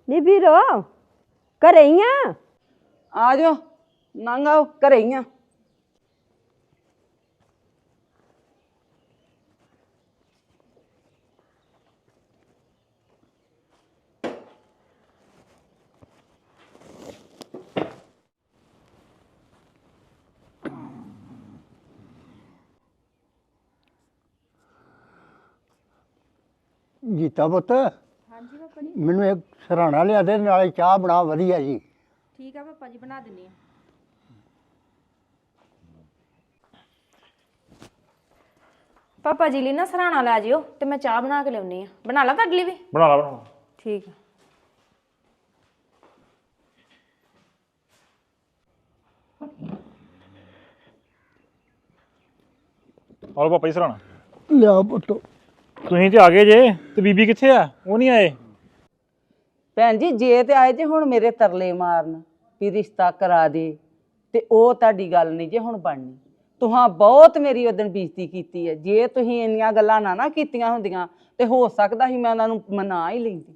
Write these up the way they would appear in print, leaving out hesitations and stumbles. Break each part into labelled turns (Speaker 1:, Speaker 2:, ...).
Speaker 1: ਨੀ ਵੀਰੋ ਘਰੇ ਹੀ ਆ?
Speaker 2: ਆ ਜਾਓ, ਨੰਗ ਆਓ, ਘਰੇ ਹੀ ਆ।
Speaker 3: ਜੀਤਾ ਪੁੱਤ,
Speaker 4: ਹਾਂਜੀ ਪਾਪਾ ਜੀ।
Speaker 3: ਮੈਨੂੰ ਇੱਕ ਸਰਾਣਾ ਲਿਆ ਦੇ, ਨਾਲੇ ਚਾਹ ਬਣਾ ਵਧੀਆ ਜੀ।
Speaker 4: ਠੀਕ ਆ ਪਾਪਾ ਜੀ, ਬਣਾ ਦਿੰਨੀ ਆ। ਪਾਪਾ ਜੀ ਲਈ ਨਾ ਸਰਾਣਾ ਲੈ ਜਿਓ ਤੇ ਮੈਂ ਚਾਹ ਬਣਾ ਕੇ ਲਿਆਉਣੀ ਆ। ਬਣਾ ਲਾ ਤੁਹਾਡੇ ਲਈ ਵੀ?
Speaker 5: ਬਣਾ ਲਾ।
Speaker 4: ਠੀਕ ਆ।
Speaker 5: ਆਲੋ ਪਾਪਾ ਜੀ ਸਰਾਣਾ।
Speaker 3: ਲਿਆ ਪੁੱਤ।
Speaker 5: ਤੁਸੀਂ ਤੇ ਆ ਗਏ ਜੇ ਤੇ ਬੀਬੀ ਕਿੱਥੇ ਆ? ਉਹ ਨਹੀਂ ਆਏ।
Speaker 2: ਭੈਣ ਜੀ ਜੇ ਤੇ ਆਏ ਜੇ ਹੁਣ ਮੇਰੇ ਤਰਲੇ ਮਾਰਨ ਵੀ ਰਿਸ਼ਤਾ ਕਰਾ ਦੇ, ਤੇ ਉਹ ਤੁਹਾਡੀ ਗੱਲ ਨਹੀਂ ਜੇ ਹੁਣ ਬਣਨੀ। ਤੁਹਾਂ ਬਹੁਤ ਮੇਰੀ ਉਦਣ ਬੇਇੱਜ਼ਤੀ ਕੀਤੀ ਹੈ। ਜੇ ਤੁਸੀਂ ਇੰਨੀਆਂ ਗੱਲਾਂ ਨਾ ਕੀਤੀਆਂ ਹੁੰਦੀਆਂ ਤੇ ਹੋ ਸਕਦਾ ਸੀ ਮੈਂ ਉਹਨਾਂ ਨੂੰ ਮਨਾ ਹੀ ਲੈਂਦੀ।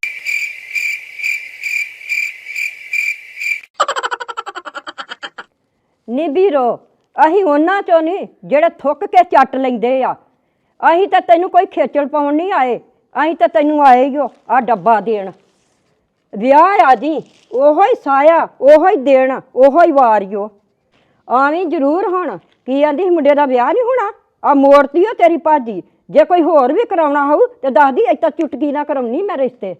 Speaker 1: ਨੀ ਵੀਰੋ ਅਸੀਂ ਉਹਨਾਂ ਚੋਂ ਨਹੀਂ ਜਿਹੜੇ ਥੁੱਕ ਕੇ ਚੱਟ ਲੈਂਦੇ ਆ। ਅਸੀਂ ਤਾਂ ਤੈਨੂੰ ਕੋਈ ਖੇਚਲ ਪਾਉਣ ਨਹੀਂ ਆਏ, ਅਸੀਂ ਤਾਂ ਤੈਨੂੰ ਆਏ ਹੀ ਆ ਡੱਬਾ ਦੇਣ। ਵਿਆਹ ਆ ਜੀ, ਉਹੋ ਹੀ ਸਾਇਆ, ਉਹੋ ਹੀ ਦੇਣ, ਉਹੋ ਹੀ ਵਾਰਿਓ। ਆਵੀਂ ਜ਼ਰੂਰ ਹੁਣ ਕੀ ਆਂਦੀ ਸੀ ਮੁੰਡੇ ਦਾ ਵਿਆਹ ਨਹੀਂ ਹੋਣਾ, ਆ ਮੋੜਤੀ ਓ ਤੇਰੀ ਭਾਜੀ। ਜੇ ਕੋਈ ਹੋਰ ਵੀ ਕਰਾਉਣਾ ਹੋਊ ਤੇ ਦੱਸਦੀ ਇੱਦਾਂ ਚੁਟਕੀ ਨਾ ਕਰਾਉਣੀ ਮੈਂ ਰਿਸ਼ਤੇ।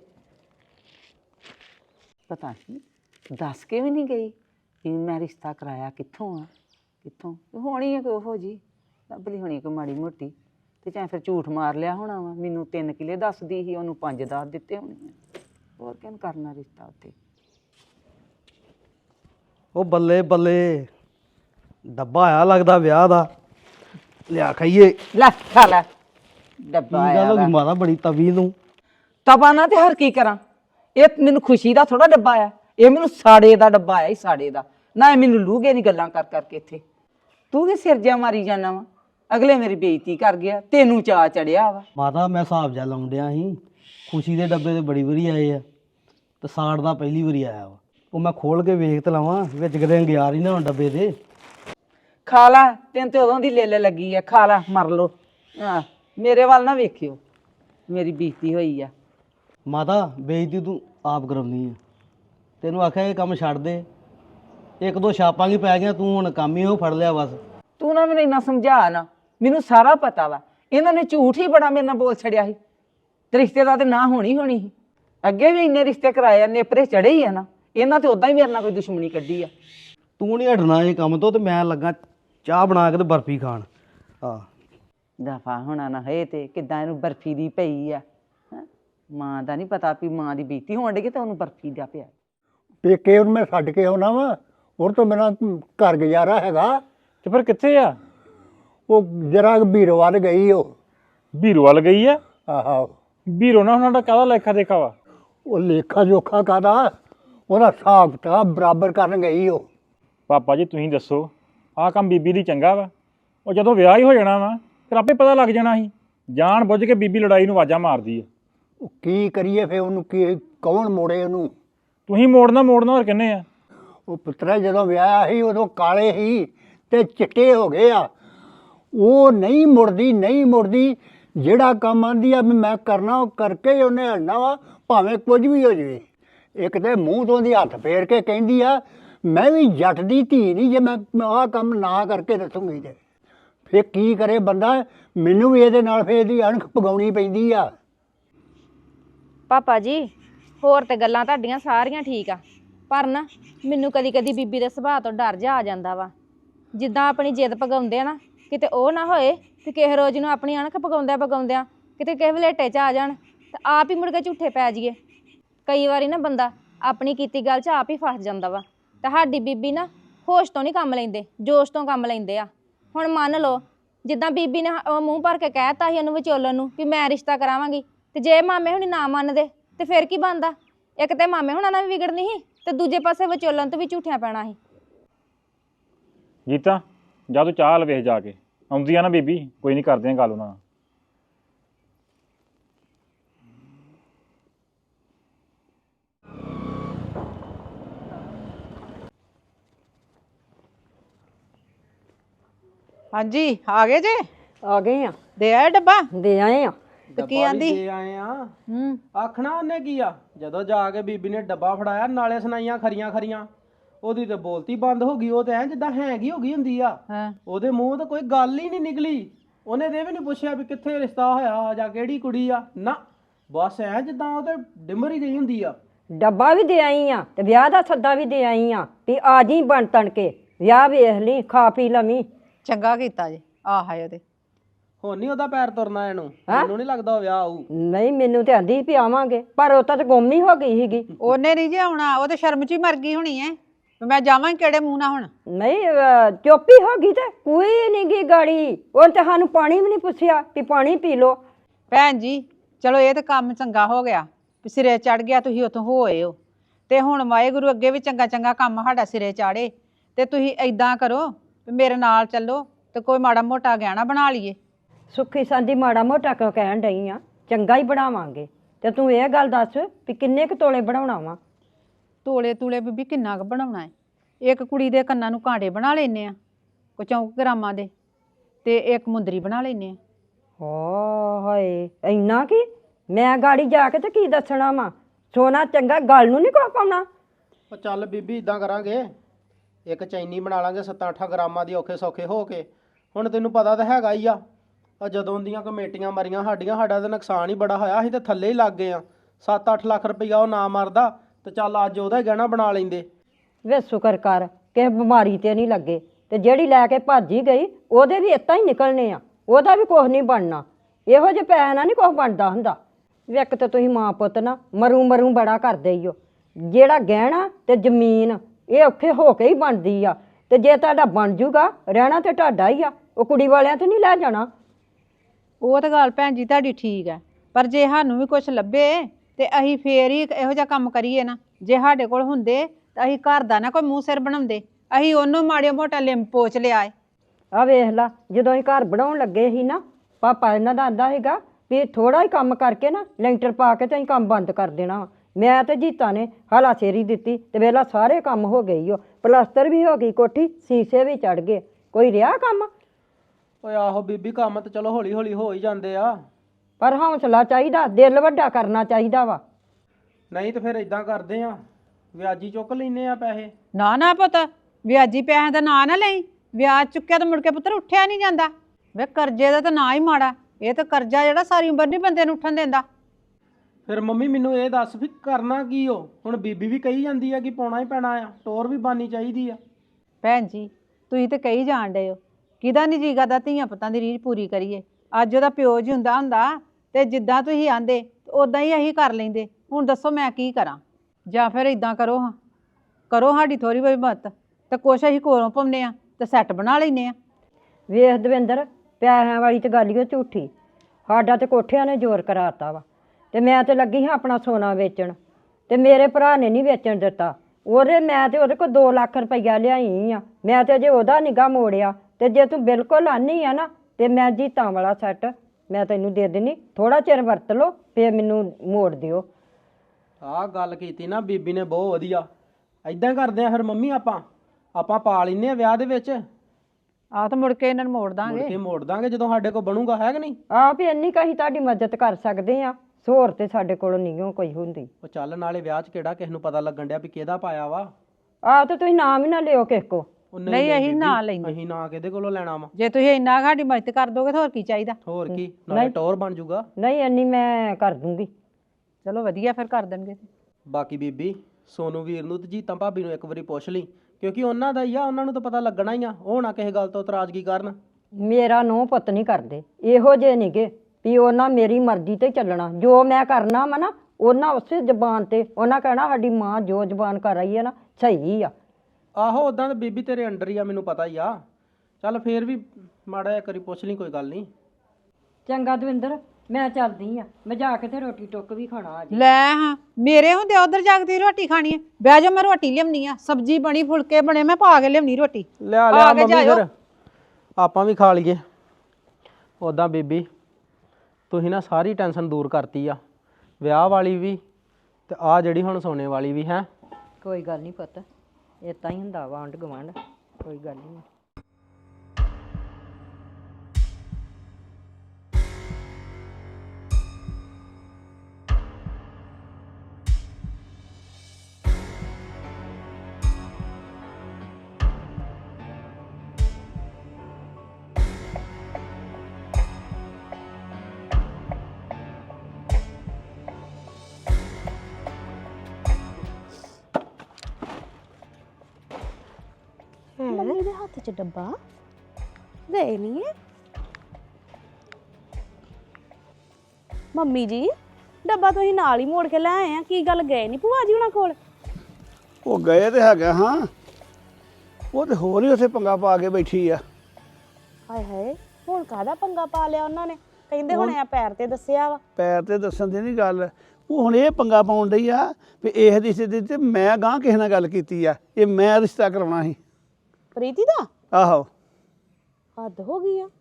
Speaker 2: ਪਤਾ ਨਹੀਂ ਦੱਸ ਕੇ ਵੀ ਨਹੀਂ ਗਈ ਵੀ ਮੈਂ ਰਿਸ਼ਤਾ ਕਰਾਇਆ ਕਿੱਥੋਂ ਆ, ਕਿੱਥੋਂ ਹੋਣੀ ਹੈ ਕੋਈ ਉਹੋ ਜੀ ਲੱਭਲੀ ਹੋਣੀ ਕੋਈ ਮਾੜੀ ਮੋਟੀ, ਤੇ ਚਾਹੇ ਫਿਰ ਝੂਠ ਮਾਰ ਲਿਆ ਹੋਣਾ ਵਾ। ਮੈਨੂੰ 3 ਕਿੱਲੇ ਦੱਸਦੀ ਸੀ, ਉਹਨੂੰ 5 ਦੱਸ ਦਿੱਤੇ ਹੋਣੇ ਆ। ਹੋਰ ਕਿਹਨੂੰ ਕਰਨਾ ਰਿਸ਼ਤਾ ਉੱਥੇ।
Speaker 6: ਉਹ ਬੱਲੇ ਬੱਲੇ, ਡੱਬਾ ਆਇਆ ਲੱਗਦਾ ਵਿਆਹ ਦਾ। ਲਿਆ ਖਾਈਏ।
Speaker 2: ਲੈ ਖਾ ਲੈ ਡੱਬਾ
Speaker 6: ਕੀ ਗੱਲ
Speaker 2: ਆਇਆ
Speaker 6: ਹੋ
Speaker 2: ਵਾ।
Speaker 6: ਗਈ ਮਾਤਾ, ਬੜੀ ਤਵੀ ਨੂੰ?
Speaker 2: ਤਪਾ ਨਾ ਤੇ ਹੋਰ ਕੀ ਕਰਾਂ। ਇਹ ਮੈਨੂੰ ਖੁਸ਼ੀ ਦਾ ਥੋੜਾ ਡੱਬਾ ਆ, ਇਹ ਮੈਨੂੰ ਸਾੜੇ ਦਾ ਡੱਬਾ ਆਇਆ ਹੀ, ਸਾੜੇ ਦਾ। ਨਾ ਇਹ ਮੈਨੂੰ ਲੂਗੇ ਨਹੀਂ ਗੱਲਾਂ ਕਰ ਕਰਕੇ ਇੱਥੇ। ਤੂੰ ਵੀ ਸਿਰ ਜਿਹਾ ਮਾਰੀ ਜਾਣਾ ਵਾ। ਅਗਲੇ ਮੇਰੀ ਬੇਇੱਜ਼ਤੀ ਕਰ ਗਿਆ, ਤੈਨੂੰ ਚਾਅ ਚੜਿਆ ਵਾ।
Speaker 6: ਮਾਤਾ ਮੈਂ ਹਿਸਾਬ ਜਿਹਾ ਲਾਉਣ ਡਿਆ ਸੀ। ਖੁਸ਼ੀ ਦੇ ਡੱਬੇ ਤੇ ਬੜੀ ਵਾਰੀ ਆਏ ਆ, ਤੇ ਸਾੜ ਦਾ ਪਹਿਲੀ ਵਾਰੀ ਆਇਆ ਵਾ। ਉਹ ਮੈਂ ਖੋਲ ਕੇ ਵੇਖ ਤੇ ਲਵਾਂ ਵਿੱਚ ਕਿਤੇ ਅੰਗਿਆਰ ਹੀ ਨਾ ਹੋਣ ਡੱਬੇ ਦੇ।
Speaker 2: ਖਾ ਲਾ, ਤੈਨੂੰ ਤੇ ਉਦੋਂ ਦੀ ਲੇਲੇ ਲੱਗੀ ਆ। ਖਾ ਲਾ, ਮਰ ਲੋ। ਹਾਂ, ਮੇਰੇ ਵੱਲ ਨਾ ਵੇਖਿਓ, ਮੇਰੀ ਬੇਇੱਜ਼ਤੀ ਹੋਈ ਆ।
Speaker 6: ਮਾਤਾ ਬੇਇੱਜ਼ਤੀ ਤੂੰ ਆਪ ਕਰਾਉਣੀ ਆ। ਤੈਨੂੰ ਆਖਿਆ ਇਹ ਕੰਮ ਛੱਡ ਦੇ, 1-2 ਛਾਪਾਂ ਕੀ ਪੈ ਗਈਆਂ, ਤੂੰ ਹੁਣ ਕੰਮ ਹੀ ਉਹ ਫੜ ਲਿਆ ਬਸ।
Speaker 2: ਤੂੰ ਨਾ ਮੈਨੂੰ ਇੰਨਾ ਸਮਝਾ ਨਾ, ਮੈਨੂੰ ਸਾਰਾ ਪਤਾ ਵਾ। ਇਹਨਾਂ ਨੇ ਝੂਠ ਹੀ ਬੜਾ ਮੇਰੇ ਨਾਲ ਬੋਲ ਛੜਿਆ ਸੀ, ਤੇ ਰਿਸ਼ਤੇ ਦਾ ਤੇ ਨਾ ਹੋਣੀ ਸੀ। ਅੱਗੇ ਵੀ ਇੰਨੇ ਰਿਸ਼ਤੇ ਕਰਾਏ ਆ, ਨੇਪਰੇ ਚੜੇ ਹੀ ਆ ਨਾ। ਇਹਨਾਂ ਤੇ ਉਦਾਂ ਹੀ ਮੇਰੇ ਨਾਲ ਕੋਈ ਦੁਸ਼ਮਣੀ ਕੱਢੀ ਆ।
Speaker 6: ਤੂੰ ਨਹੀਂ ਹਟਣਾ ਇਹ ਕੰਮ ਤੋਂ, ਤੇ ਮੈਂ ਲੱਗਾ ਚਾਹ ਬਣਾ ਕੇ ਤੇ ਬਰਫੀ ਖਾਣ। ਆ
Speaker 2: ਦਫਾ ਹੋਣਾ ਨਾ ਹੋਏ ਤੇ ਕਿੱਦਾਂ ਇਹਨੂੰ ਬਰਫੀ ਦੀ ਪਈ ਆ। ਹੈਂ? ਮਾਂ ਦਾ ਨਹੀਂ ਪਤਾ ਵੀ ਮਾਂ ਦੀ ਬੀਤੀ ਹੋਣ ਡਈ ਤੇ ਉਹਨੂੰ ਬਰਫੀ ਦਾ ਪਿਆ।
Speaker 3: ਪੇਕੇ ਉਹਨੂੰ ਮੈਂ ਛੱਡ ਕੇ ਆਉਣਾ ਵਾ, ਹੋਰ ਤੋਂ ਮੇਰਾ ਘਰ ਗੁਜ਼ਾਰਾ ਹੈਗਾ।
Speaker 5: ਤੇ ਫਿਰ ਕਿੱਥੇ ਆ?
Speaker 3: ਉਹ ਜਰਾ ਬੀਰੋ ਵੱਲ ਗਈ ਉਹ।
Speaker 5: ਬੀਰੋ ਵੱਲ ਗਈ ਆ?
Speaker 3: ਆਹੋ।
Speaker 5: ਬੀਰੋ ਨਾਲ ਉਹਨਾਂ ਦਾ ਕਾਹਦਾ ਲੇਖਾ ਦੇਖਾ ਵਾ?
Speaker 3: ਉਹ ਲੇਖਾ ਜੋਖਾ ਕਾਹਦਾ, ਉਹਦਾ ਹਿਸਾਬ ਕਿਤਾਬ ਬਰਾਬਰ ਕਰਨ ਗਈ ਉਹ।
Speaker 5: ਪਾਪਾ ਜੀ ਤੁਸੀਂ ਦੱਸੋ, ਆਹ ਕੰਮ ਬੀਬੀ ਲਈ ਚੰਗਾ ਵਾ? ਉਹ ਜਦੋਂ ਵਿਆਹ ਹੀ ਹੋ ਜਾਣਾ ਵਾ ਫਿਰ ਆਪੇ ਪਤਾ ਲੱਗ ਜਾਣਾ ਸੀ। ਜਾਣ ਬੁੱਝ ਕੇ ਬੀਬੀ ਲੜਾਈ ਨੂੰ ਆਵਾਜ਼ਾਂ ਮਾਰਦੀ ਆ।
Speaker 3: ਉਹ ਕੀ ਕਰੀਏ ਫਿਰ, ਉਹਨੂੰ ਕੀ ਕੌਣ ਮੋੜੇ ਉਹਨੂੰ।
Speaker 5: ਤੁਸੀਂ ਮੋੜਨਾ ਹੋਰ ਕਿੰਨੇ ਆ?
Speaker 3: ਉਹ ਪੁੱਤਰਾ ਜਦੋਂ ਵਿਆਹ ਸੀ ਉਦੋਂ ਕਾਲੇ ਸੀ ਤੇ ਚਿੱਟੇ ਹੋ ਗਏ ਆ। ਉਹ ਨਹੀਂ ਮੁੜਦੀ, ਨਹੀਂ ਮੁੜਦੀ। ਜਿਹੜਾ ਕੰਮ ਆਂਦੀ ਆ ਵੀ ਮੈਂ ਕਰਨਾ ਉਹ ਕਰਕੇ ਹੀ ਉਹਨੇ ਹਟਣਾ ਵਾ, ਭਾਵੇਂ ਕੁਝ ਵੀ ਹੋ ਜਾਵੇ। ਇੱਕ ਤੇ ਮੂੰਹ ਤੋਂ ਦੀ ਹੱਥ ਫੇਰ ਕੇ ਕਹਿੰਦੀ ਆ ਮੈਂ ਵੀ ਜੱਟ ਦੀ ਧੀ ਨਹੀਂ, ਜੇ ਮੈਂ ਆਹ ਕੰਮ ਨਾ ਕਰਕੇ ਦੱਸੂਗੀ ਤੇ ਫਿਰ ਕੀ ਕਰੇ ਬੰਦਾ। ਮੈਨੂੰ ਵੀ ਇਹਦੇ ਨਾਲ ਫਿਰ ਇਹਦੀ ਅਣਖ ਪਗਾਉਣੀ ਪੈਂਦੀ ਆ।
Speaker 4: ਪਾਪਾ ਜੀ ਹੋਰ ਤੇ ਗੱਲਾਂ ਤੁਹਾਡੀਆਂ ਸਾਰੀਆਂ ਠੀਕ ਆ, ਪਰ ਨਾ ਮੈਨੂੰ ਕਦੀ ਕਦੀ ਬੀਬੀ ਦੇ ਸੁਭਾਅ ਤੋਂ ਡਰ ਜਾ ਆ ਜਾਂਦਾ ਵਾ। ਜਿੱਦਾਂ ਆਪਣੀ ਜਿੱਦ ਪਗਾਉਂਦੇ ਆ ਨਾ, ਕਿਤੇ ਉਹ ਨਾ ਹੋਏ ਕਿ ਕਿਸੇ ਰੋਜ਼ ਨੂੰ ਆਪਣੀ ਅਣਖ ਪਗਾਉਂਦਿਆਂ ਕਿਤੇ ਕਿਸੇ ਵਲੇਟੇ 'ਚ ਆ ਜਾਣ ਤੇ ਆਪ ਹੀ ਮੁੜ ਕੇ ਝੂਠੇ ਪੈ ਜਾਈਏ। ਕਈ ਵਾਰੀ ਨਾ ਬੰਦਾ ਆਪਣੀ ਕੀਤੀ ਗੱਲ 'ਚ ਆਪ ਹੀ ਫਸ ਜਾਂਦਾ ਵਾ। ਤੇ ਸਾਡੀ ਬੀਬੀ ਨਾ ਹੋਸ਼ ਤੋਂ ਨਹੀਂ ਕੰਮ ਲੈਂਦੇ, ਜੋਸ਼ ਤੋਂ ਕੰਮ ਲੈਂਦੇ ਆ। ਹੁਣ ਮੰਨ ਲਓ ਜਿੱਦਾਂ ਬੀਬੀ ਨੇ ਉਹ ਮੂੰਹ ਭਰ ਕੇ ਕਹਿ ਦਿੱਤਾ ਸੀ ਉਹਨੂੰ ਵਿਚੋਲਣ ਨੂੰ ਵੀ ਮੈਂ ਰਿਸ਼ਤਾ ਕਰਾਵਾਂਗੀ, ਤੇ ਜੇ ਮਾਮੇ ਹੁਣੀ ਨਾ ਮੰਨਦੇ ਤੇ ਫਿਰ ਕੀ ਬਣਦਾ? ਇੱਕ ਤੇ ਮਾਮੇ ਹੁਣਾਂ ਨਾਲ ਵੀ ਵਿਗੜਨੀ ਸੀ, ਤੇ ਦੂਜੇ ਪਾਸੇ ਵਿਚੋਲਣ ਤੋਂ ਵੀ ਝੂਠਿਆਂ ਪੈਣਾ ਸੀ।
Speaker 5: ਜੀਤਾ ਜਾ ਤੂੰ ਚਾਹ ਲਵੇਖ ਜਾ ਕੇ। ਆਉਂਦੀ ਆ ਨਾ ਬੀਬੀ, ਕੋਈ ਨਹੀਂ ਕਰਦੇ ਆ ਗੱਲ ਉਹਨਾਂ ਨਾਲ।
Speaker 7: ਹਾਂਜੀ ਆ ਗਏ ਜੇ
Speaker 1: ਆ ਗਏ ਆ
Speaker 7: ਦੇ ਆਏ ਡੱਬਾ
Speaker 1: ਦੇ ਆਏ ਆ
Speaker 7: ਤੇ ਕੀ ਆਂਦੀ
Speaker 6: ਦੇ ਆਏ ਆ
Speaker 7: ਹੂੰ
Speaker 6: ਆਖਣਾ ਉਹਨੇ ਕੀ ਆ ਜਦੋਂ ਜਾ ਕੇ ਬੀਬੀ ਨੇ ਡੱਬਾ ਫੜਾਇਆ ਨਾਲੇ ਸੁਣਾਈਆਂ ਖਰੀਆਂ ਖਰੀਆਂ ਉਹਦੀ ਤੇ ਬੋਲਤੀ ਬੰਦ ਹੋ ਗਈ ਉਹ ਤੇ ਐ ਜਿੱਦਾਂ ਹੈਂਗੀ ਹੋ ਗਈ ਹੁੰਦੀ ਆ
Speaker 7: ਹਾਂ
Speaker 6: ਉਹਦੇ ਮੂੰਹ ਤੋਂ ਕੋਈ ਗੱਲ ਹੀ ਨਹੀਂ ਨਿਕਲੀ ਉਹਨੇ ਤੇ ਇਹ ਵੀ ਨਹੀਂ ਪੁੱਛਿਆ ਵੀ ਕਿੱਥੇ ਰਿਸ਼ਤਾ ਹੋਇਆ ਜਾਂ ਕਿਹੜੀ ਕੁੜੀ ਆ ਨਾ ਬਸ ਐ ਜਿੱਦਾਂ ਉਹ ਤੇ ਡਿੰਮਰ ਹੀ ਗਈ ਹੁੰਦੀ ਆ
Speaker 1: ਡੱਬਾ ਵੀ ਦੇ ਆਈ ਆ ਤੇ ਵਿਆਹ ਦਾ ਸੱਦਾ ਵੀ ਦੇ ਆਈ ਆ ਵੀ ਆ ਜੀ ਬਣ ਤਣ ਕੇ ਵਿਆਹ ਵੇਖ ਲਈ ਖਾ ਪੀ ਲਵੀਂ
Speaker 7: ਚੰਗਾ ਕੀਤਾ ਜੇ ਆਹ ਹਾਏ ਉਹਦੇ
Speaker 6: ਹੁਣ ਨਹੀਂ ਉਹਦਾ ਪੈਰ ਤੁਰਨਾ ਇਹਨੂੰ ਮੈਨੂੰ ਨਹੀਂ ਲੱਗਦਾ ਉਹ ਵਿਆਹ ਆਊ
Speaker 1: ਨਹੀਂ ਮੈਨੂੰ ਤੇ ਆਂਦੀ ਵੀ ਆਵਾਂਗੇ ਪਰ ਉਹ ਤਾਂ ਗੁੰਮ ਹੀ ਹੋ ਗਈ ਸੀਗੀ
Speaker 7: ਉਹਨੇ ਨਹੀਂ ਜੇ ਆਉਣਾ ਉਹ ਤੇ ਸ਼ਰਮ ਚ ਹੀ ਮਰ ਗਈ ਹੋਣੀ ਐ ਮੈਂ ਜਾਵਾਂ ਕਿਹੜੇ ਮੂੰਹ ਨਾਲ ਹੁਣ
Speaker 1: ਨਹੀਂ ਚੁੱਪ ਹੀ ਹੋ ਗਈ ਤੇ ਕੋਈ ਨਹੀਂ ਗਈ ਗਾੜੀ ਉਹ ਤੇ ਸਾਨੂੰ ਪਾਣੀ ਵੀ ਨਹੀਂ ਪੁੱਛਿਆ ਵੀ ਪਾਣੀ ਪੀ ਲੋ
Speaker 7: ਭੈਣ ਜੀ ਚਲੋ ਇਹ ਤਾਂ ਕੰਮ ਚੰਗਾ ਹੋ ਗਿਆ ਵੀ ਸਿਰੇ ਚੜ ਗਿਆ ਤੁਸੀਂ ਉੱਥੋਂ ਹੋਏ ਹੋ ਤੇ ਹੁਣ ਵਾਹਿਗੁਰੂ ਅੱਗੇ ਵੀ ਚੰਗਾ ਚੰਗਾ ਕੰਮ ਸਾਡਾ ਸਿਰੇ ਚਾੜੇ ਤੇ ਤੁਸੀਂ ਐਦਾਂ ਕਰੋ ਵੀ ਮੇਰੇ ਨਾਲ ਚੱਲੋ ਤੇ ਕੋਈ ਮਾੜਾ ਮੋਟਾ ਗਹਿਣਾ ਬਣਾ ਲਈਏ
Speaker 1: ਸੁੱਖੀ ਸੰਦੀ ਮਾੜਾ ਮੋਟਾ ਕਿਉਂ ਕਹਿਣ ਡਈ ਆ ਚੰਗਾ ਹੀ ਬਣਾਵਾਂਗੇ ਤੇ ਤੂੰ ਇਹ ਗੱਲ ਦੱਸ ਵੀ ਕਿੰਨੇ ਕੁ ਤੋਲੇ ਬਣਾਉਣਾ ਵਾ
Speaker 7: ਤੋਲੇ ਤੂਲੇ ਬੀਬੀ ਕਿੰਨਾ ਕੁ ਬਣਾਉਣਾ ਹੈ ਇੱਕ ਕੁੜੀ ਦੇ ਕੰਨਾਂ ਨੂੰ ਕਾਂਟੇ ਬਣਾ ਲੈਨੇ ਆ ਕੋਈ 4 ਗ੍ਰਾਮਾਂ ਦੇ ਤੇ ਇੱਕ ਮੁੰਦਰੀ ਬਣਾ ਲੈਨੇ ਆ
Speaker 1: ਹਾਏ ਇੰਨਾ ਕੀ ਮੈਂ ਗਾੜੀ ਜਾ ਕੇ ਤੇ ਕੀ ਦੱਸਣਾ ਵਾ ਸੋਨਾ ਚੰਗਾ ਗੱਲ ਨੂੰ ਨਹੀਂ ਕੋ ਪਾਉਣਾ
Speaker 6: ਉਹ ਚੱਲ ਬੀਬੀ ਇਦਾਂ ਕਰਾਂਗੇ ਇੱਕ ਚੈਨੀ ਬਣਾ ਲਾਂਗੇ 7-8 ਗ੍ਰਾਮਾਂ ਦੀ ਔਖੇ ਸੌਖੇ ਹੋ ਕੇ ਹੁਣ ਤੈਨੂੰ ਪਤਾ ਤਾਂ ਹੈਗਾ ਹੀ ਆ ਜਦੋਂ ਦੀਆਂ ਕਮੇਟੀਆਂ ਮਰੀਆਂ ਸਾਡੀਆਂ ਸਾਡਾ ਤਾਂ ਨੁਕਸਾਨ ਹੀ ਬੜਾ ਹੋਇਆ ਅਸੀਂ ਤਾਂ ਥੱਲੇ ਹੀ ਲੱਗ ਗਏ ਆ 7-8 ਲੱਖ ਰੁਪਈਆ ਉਹ ਨਾ ਮਰਦਾ ਤੇ ਚੱਲ ਅੱਜ ਉਹਦਾ ਹੀ ਗਹਿਣਾ ਬਣਾ ਲੈਂਦੇ
Speaker 1: ਵੇ ਸ਼ੁਕਰ ਕਰ ਕਿਸੇ ਬਿਮਾਰੀ ਤੇ ਨਹੀਂ ਲੱਗੇ ਤੇ ਜਿਹੜੀ ਲੈ ਕੇ ਭੱਜੀ ਗਈ ਉਹਦੇ ਵੀ ਇੱਦਾਂ ਹੀ ਨਿਕਲਣੇ ਆ ਉਹਦਾ ਵੀ ਕੁਝ ਨਹੀਂ ਬਣਨਾ ਇਹੋ ਜਿਹੇ ਪੈਸੇ ਨਾਲ ਨਹੀਂ ਕੁਝ ਬਣਦਾ ਹੁੰਦਾ ਵੇਖ ਤੇ ਤੁਸੀਂ ਮਾਂ ਪੁੱਤ ਨਾ ਮਰੂ ਬੜਾ ਕਰਦੇ ਈ ਓ ਜਿਹੜਾ ਗਹਿਣਾ ਤੇ ਜ਼ਮੀਨ ਇਹ ਔਖੇ ਹੋ ਕੇ ਹੀ ਬਣਦੀ ਆ ਤੇ ਜੇ ਤੁਹਾਡਾ ਬਣ ਜੂਗਾ ਰਹਿਣਾ ਤੇ ਤੁਹਾਡਾ ਹੀ ਆ ਉਹ ਕੁੜੀ ਵਾਲਿਆਂ ਤੇ ਨਹੀਂ ਲੈ ਜਾਣਾ
Speaker 7: ਉਹ ਤਾਂ ਗੱਲ ਭੈਣ ਜੀ ਤੁਹਾਡੀ ਠੀਕ ਹੈ ਪਰ ਜੇ ਸਾਨੂੰ ਵੀ ਕੁਝ ਲੱਭੇ ਤੇ ਅਸੀਂ ਫੇਰ ਹੀ ਇਹੋ ਜਿਹਾ ਕੰਮ ਕਰੀਏ ਨਾ ਜੇ ਸਾਡੇ ਕੋਲ ਹੁੰਦੇ ਤਾਂ ਅਸੀਂ ਘਰ ਦਾ ਨਾ ਕੋਈ ਮੂੰਹ ਸਿਰ ਬਣਾਉਂਦੇ ਅਸੀਂ ਉਹਨੂੰ ਮਾੜਿਆ ਮੋਟਾ ਲਿੰਬ ਪੋਚ ਲਿਆ ਏ
Speaker 1: ਆ ਵੇਖ ਲਾ ਜਦੋਂ ਅਸੀਂ ਘਰ ਬਣਾਉਣ ਲੱਗੇ ਸੀ ਨਾ ਪਾਪਾ ਇਹਨਾਂ ਦਾ ਆਂਦਾ ਸੀਗਾ ਵੀ ਥੋੜਾ ਹੀ ਕੰਮ ਕਰਕੇ ਨਾ ਲੈਂਟਰ ਪਾ ਕੇ ਤੇ ਅਸੀਂ ਕੰਮ ਬੰਦ ਕਰ ਦੇਣਾ ਵਾ ਮੈਂ ਤੇ ਜੀਤਾ ਨੇ ਹਾਲਾ ਸੇਰੀ ਦਿੱਤੀ ਤੇ ਵੇਲਾ ਸਾਰੇ ਕੰਮ ਹੋ ਗਈ ਓ ਪਲਾਸਟਰ ਵੀ ਹੋ ਗਈ ਕੋਠੀ ਸੀਸੇ ਵੀ ਚੜ ਗਏ ਕੋਈ ਰਿਹਾ ਕੰਮ
Speaker 6: ਓਏ ਆਹੋ ਬੀਬੀ ਕੰਮ ਤਾਂ ਚਲੋ ਹੌਲੀ ਹੌਲੀ ਹੋ ਹੀ ਜਾਂਦੇ ਆ
Speaker 1: ਪਰ ਹੌਸਲਾ ਚਾਹੀਦਾ ਦਿਲ ਵੱਡਾ ਕਰਨਾ ਚਾਹੀਦਾ ਵਾ
Speaker 6: ਨਹੀਂ ਤੇ ਫਿਰ ਇਦਾਂ ਕਰਦੇ ਆ ਵਿਆਜੀ ਚੁੱਕ ਲੈਨੇ ਆ ਪੈਸੇ
Speaker 7: ਨਾ ਨਾ ਪੁੱਤ ਵਿਆਜੀ ਪੈਸਿਆਂ ਦਾ ਨਾਂ ਨਾ ਲਈ ਵਿਆਜ ਚੁੱਕਿਆ ਤਾਂ ਮੁੜ ਕੇ ਪੁੱਤਰ ਉੱਠਿਆ ਨਹੀਂ ਜਾਂਦਾ ਵੇ ਕਰਜ਼ੇ ਦਾ ਤਾਂ ਨਾਂ ਹੀ ਮਾੜਾ ਇਹ ਤਾਂ ਕਰਜ਼ਾ ਜਿਹੜਾ ਸਾਰੀ ਉਮਰ ਨਹੀਂ ਬੰਦੇ ਨੂੰ ਉੱਠਣ ਦਿੰਦਾ
Speaker 6: ਫਿਰ ਮੰਮੀ ਮੈਨੂੰ ਇਹ ਦੱਸ ਵੀ ਕਰਨਾ ਕੀ ਹੋ ਹੁਣ ਬੀਬੀ ਵੀ ਕਹੀ ਜਾਂਦੀ ਆ ਕਿ ਪਾਉਣਾ ਹੀ ਪੈਣਾ ਆ ਟੋਰ ਵੀ ਬਾਨੀ ਚਾਹੀਦੀ ਆ
Speaker 7: ਭੈਣ ਜੀ ਤੁਸੀਂ ਤੇ ਕਹੀ ਜਾਣ ਡਏ ਹੋ ਕਿਹਦਾ ਨਹੀਂ ਜੀ ਕਰਦਾ ਧੀਆਂ ਪੁੱਤਾਂ ਦੀ ਰੀਝ ਪੂਰੀ ਕਰੀਏ ਅੱਜ ਉਹਦਾ ਪਿਓ ਜੀ ਹੁੰਦਾ ਤੇ ਜਿੱਦਾਂ ਤੁਸੀਂ ਆਂਦੇ ਉਦਾਂ ਹੀ ਅਸੀਂ ਕਰ ਲੈਂਦੇ ਹੁਣ ਦੱਸੋ ਮੈਂ ਕੀ ਕਰਾਂ ਜਾਂ ਫਿਰ ਇਦਾਂ ਕਰੋ ਹਾਂ ਕਰੋ ਸਾਡੀ ਥੋੜੀ ਬਹੁਤੀ ਮਦਦ ਤੇ ਕੁਛ ਅਸੀਂ ਕੋਲੋਂ ਪਾਉਂਦੇ ਆ ਤੇ ਸੈੱਟ ਬਣਾ ਲੈਨੇ ਆ
Speaker 1: ਵੇਖ ਦਵਿੰਦਰ ਪੈਸਿਆਂ ਵਾਲੀ ਤੇ ਗੱਲ ਹੀ ਉਹ ਝੂਠੀ ਸਾਡਾ ਤੇ ਕੋਠਿਆਂ ਨੇ ਜ਼ੋਰ ਕਰਾਤਾ ਵਾ ਤੇ ਮੈਂ ਤੇ ਲੱਗੀ ਹਾਂ ਆਪਣਾ ਸੋਨਾ ਵੇਚਣ ਤੇ ਮੇਰੇ ਭਰਾ ਨੇ ਨਹੀਂ ਵੇਚਣ ਦਿੱਤਾ ਮੈਂ ਤੇ ਉਹਦੇ ਕੋਲ 2 ਲੱਖ ਰੁਪਈਆ ਲਿਆਈ ਆ ਮੈਂ ਤੇ ਜੇ ਉਹਦਾ ਨਿਗਾਹ ਮੋੜਿਆ ਤੇ ਜੇ ਤੂੰ ਬਿਲਕੁਲ ਆਨੀ ਆ ਨਾ ਤੇ ਮੈਂ ਜੀਤਾਂ ਵਾਲਾ ਸੈੱਟ ਮੈਂ ਤੈਨੂੰ ਦੇ ਦੇਣੀ ਥੋੜਾ ਚਿਰ ਵਰਤ ਲਓ ਫੇਰ ਮੈਨੂੰ ਮੋੜ ਦਿਓ
Speaker 6: ਆਹ ਗੱਲ ਕੀਤੀ ਨਾ ਬੀਬੀ ਨੇ ਬਹੁਤ ਵਧੀਆ ਐਦਾਂ ਕਰਦੇ ਆ ਫਿਰ ਮੰਮੀ ਆਪਾਂ ਪਾ ਲੈਨੇ ਆ ਵਿਆਹ ਦੇ ਵਿੱਚ
Speaker 7: ਆ ਤਾਂ ਮੁੜ ਕੇ ਇਹਨਾਂ ਨੂੰ ਮੋੜ ਦਾਂਗੇ
Speaker 6: ਮੁੜ ਕੇ ਮੋੜ ਦਾਂਗੇ ਜਦੋਂ ਸਾਡੇ ਕੋਲ ਬਣੂਗਾ ਹੈ ਕਿ ਨਹੀਂ
Speaker 1: ਆਪ ਹੀ ਇੰਨੀ ਕਹੀ ਤੁਹਾਡੀ ਮਦਦ ਕਰ ਸਕਦੇ ਆ ਸੋਰ ਤੇ ਸਾਡੇ ਕੋਲ ਨਹੀਂ ਕੋਈ ਹੁੰਦੀ
Speaker 6: ਉਹ ਚੱਲ ਨਾਲੇ ਵਿਆਹ 'ਚ ਕਿਹੜਾ ਕਿਸ ਨੂੰ ਪਤਾ ਲੱਗਣ ਡਿਆ ਵੀ ਕਿਹਦਾ ਪਾਇਆ ਵਾ
Speaker 1: ਆਹ ਤੇ ਤੁਸੀਂ ਨਾਮ ਹੀ ਨਾ ਲਿਓ ਕਿਸੇ ਕੋ
Speaker 6: ਉਹ
Speaker 7: ਨਹੀਂ ਅਸੀਂ
Speaker 6: ਬੀਬੀ,
Speaker 7: ਨਾ ਲੈਂਦੇ
Speaker 6: ਅਸੀਂ ਨਾ ਕਿਹਦੇ ਕੋਲੋਂ ਲੈਣਾ ਵਾ
Speaker 7: ਜੇ ਤੁਸੀਂ ਇੰਨਾ ਸਾਡੀ ਮਦਦ ਕਰ ਦੋਗੇ ਤਾਂ ਹੋਰ ਕੀ ਚਾਹੀਦਾ
Speaker 6: ਹੋਰ ਕੀ ਨਾਲੇ ਟੌਰ ਬਣ ਜਾਊਗਾ
Speaker 1: ਨਹੀਂ ਇੰਨੀ ਮੈਂ ਕਰ ਦੂੰਗੀ
Speaker 7: ਚਲੋ ਵਧੀਆ ਫਿਰ ਕਰ ਦੇਣਗੇ
Speaker 6: ਬਾਕੀ ਬੀਬੀ ਸੋਨੂ ਵੀਰ ਨੂੰ ਤੇ ਜੀਤਾਂ ਭਾਬੀ ਨੂੰ ਇੱਕ ਵਾਰੀ ਪੁੱਛ ਲਈ ਕਿਉਂਕਿ ਉਹਨਾਂ ਦਾ ਹੀ ਆ ਉਹਨਾਂ ਨੂੰ ਤਾਂ ਪਤਾ ਲੱਗਣਾ ਹੀ ਆ ਉਹ ਨਾ ਕਿਸੇ ਗੱਲ ਤੋਂ ਇਤਰਾਜ਼ਗੀ ਕਰਨ
Speaker 1: ਮੇਰਾ ਨੋ ਪੁੱਤ ਨਹੀਂ ਕਰਦੇ ਇਹੋ ਜੇ ਨਹੀਂਗੇ ਵੀ ਉਹਨਾਂ ਮੇਰੀ ਮਰਜ਼ੀ ਤੇ ਚੱਲਣਾ ਜੋ ਮੈਂ ਕਰਨਾ ਵਾ ਨਾ ਉਹਨਾਂ ਉਸੇ ਜ਼ਬਾਨ ਤੇ ਉਹਨਾਂ ਕਹਿਣਾ ਸਾਡੀ ਮਾਂ ਜੋ ਜ਼ਬਾਨ ਕਰ ਰਹੀ ਹੈ ਨਾ ਸਹੀ ਆ
Speaker 6: ਆਹੋ ਉਦਾਂ ਤਾਂ ਬੀਬੀ ਤੇਰੇ ਅੰਡਰ ਹੀ ਆ ਮੈਨੂੰ ਪਤਾ ਹੀ ਆ ਚੱਲ ਫੇਰ ਵੀ ਮਾੜਾ ਜਿਹਾ ਕਰੀ ਪੁੱਛ ਲਈ ਕੋਈ ਗੱਲ ਨਹੀਂ
Speaker 1: ਚੰਗਾ ਦਵਿੰਦਰ ਮੈਂ ਚੱਲਦੀ ਆ ਮੈਂ ਜਾ ਕੇ ਤੇ ਰੋਟੀ ਟੁੱਕ ਵੀ ਖਾਣਾ ਅੱਜ
Speaker 7: ਲੈ ਹਾਂ ਮੇਰੇ ਹੁੰਦੇ ਉਧਰ ਜਾ ਕੇ ਰੋਟੀ ਖਾਣੀ ਹੈ ਬਹਿ ਜਾ ਮੈਂ ਰੋਟੀ ਲਿਆਉਣੀ ਆ ਸਬਜ਼ੀ ਬਣੀ ਫੁਲਕੇ ਬਣੇ ਮੈਂ ਪਾ ਕੇ ਲਿਆਉਣੀ ਰੋਟੀ
Speaker 6: ਲਿਆ ਮੰਮੀ ਫਿਰ ਆਪਾਂ ਵੀ ਖਾ ਲਈਏ ਉਦਾਂ ਬੀਬੀ ਤੁਸੀਂ ਨਾ ਸਾਰੀ ਟੈਨਸ਼ਨ ਦੂਰ ਕਰਤੀ ਆ ਵਿਆਹ ਵਾਲੀ ਵੀ ਤੇ ਆ ਜਿਹੜੀ ਹੁਣ ਸੋਨੇ ਵਾਲੀ ਵੀ ਹੈ
Speaker 1: ਕੋਈ ਗੱਲ ਨਹੀਂ ਪੁੱਤ ਇਤਾਂ ਹੀ ਹੁੰਦਾ ਵਾ ਆਂਢ ਗੁਆਂਢ ਕੋਈ ਗੱਲ ਨਹੀਂ
Speaker 8: ਮੰਮੀ ਦੇ ਹੱਥ 'ਚ ਡੱਬਾ ਗਏ ਨਹੀਂ ਹੈ ਮੰਮੀ ਜੀ ਡੱਬਾ ਤੁਸੀਂ ਨਾਲ ਹੀ ਮੋੜ ਕੇ ਲੈ ਆਏ ਆ ਕੀ ਗੱਲ ਗਏ ਨਹੀਂ ਭੂਆ ਜੀ ਉਹਨਾਂ ਕੋਲ
Speaker 9: ਉਹ ਗਏ ਤੇ ਹੈਗਾ ਹਾਂ ਉਹ ਤੇ ਹੋਰ ਹੀ ਉੱਥੇ ਪੰਗਾ ਪਾ ਕੇ ਬੈਠੀ ਆ
Speaker 8: ਹਾਏ ਹਾਏ ਹੁਣ ਕਾਹਦਾ ਪੰਗਾ ਪਾ ਲਿਆ ਉਹਨਾਂ ਨੇ ਕਹਿੰਦੇ ਹੁਣੇ ਆ ਪੈਰ ਤੇ ਦੱਸਿਆ ਵਾ
Speaker 9: ਪੈਰ ਤੇ ਦੱਸਣ ਦੀ ਨਹੀਂ ਗੱਲ ਉਹ ਹੁਣ ਇਹ ਪੰਗਾ ਪਾਉਣ ਡਈ ਆ ਵੀ ਇਹ ਰਿਸ਼ਤੇ ਦੀ ਤੇ ਮੈਂ ਗਾਂ ਕਿਸੇ ਨਾਲ ਗੱਲ ਕੀਤੀ ਆ ਇਹ ਮੈਂ ਰਿਸ਼ਤਾ ਕਰਾਉਣਾ ਸੀ
Speaker 8: ਪ੍ਰੀਤੀ ਦਾ
Speaker 9: ਆਹੋ
Speaker 8: ਹੱਦ ਹੋ ਗਈ ਆ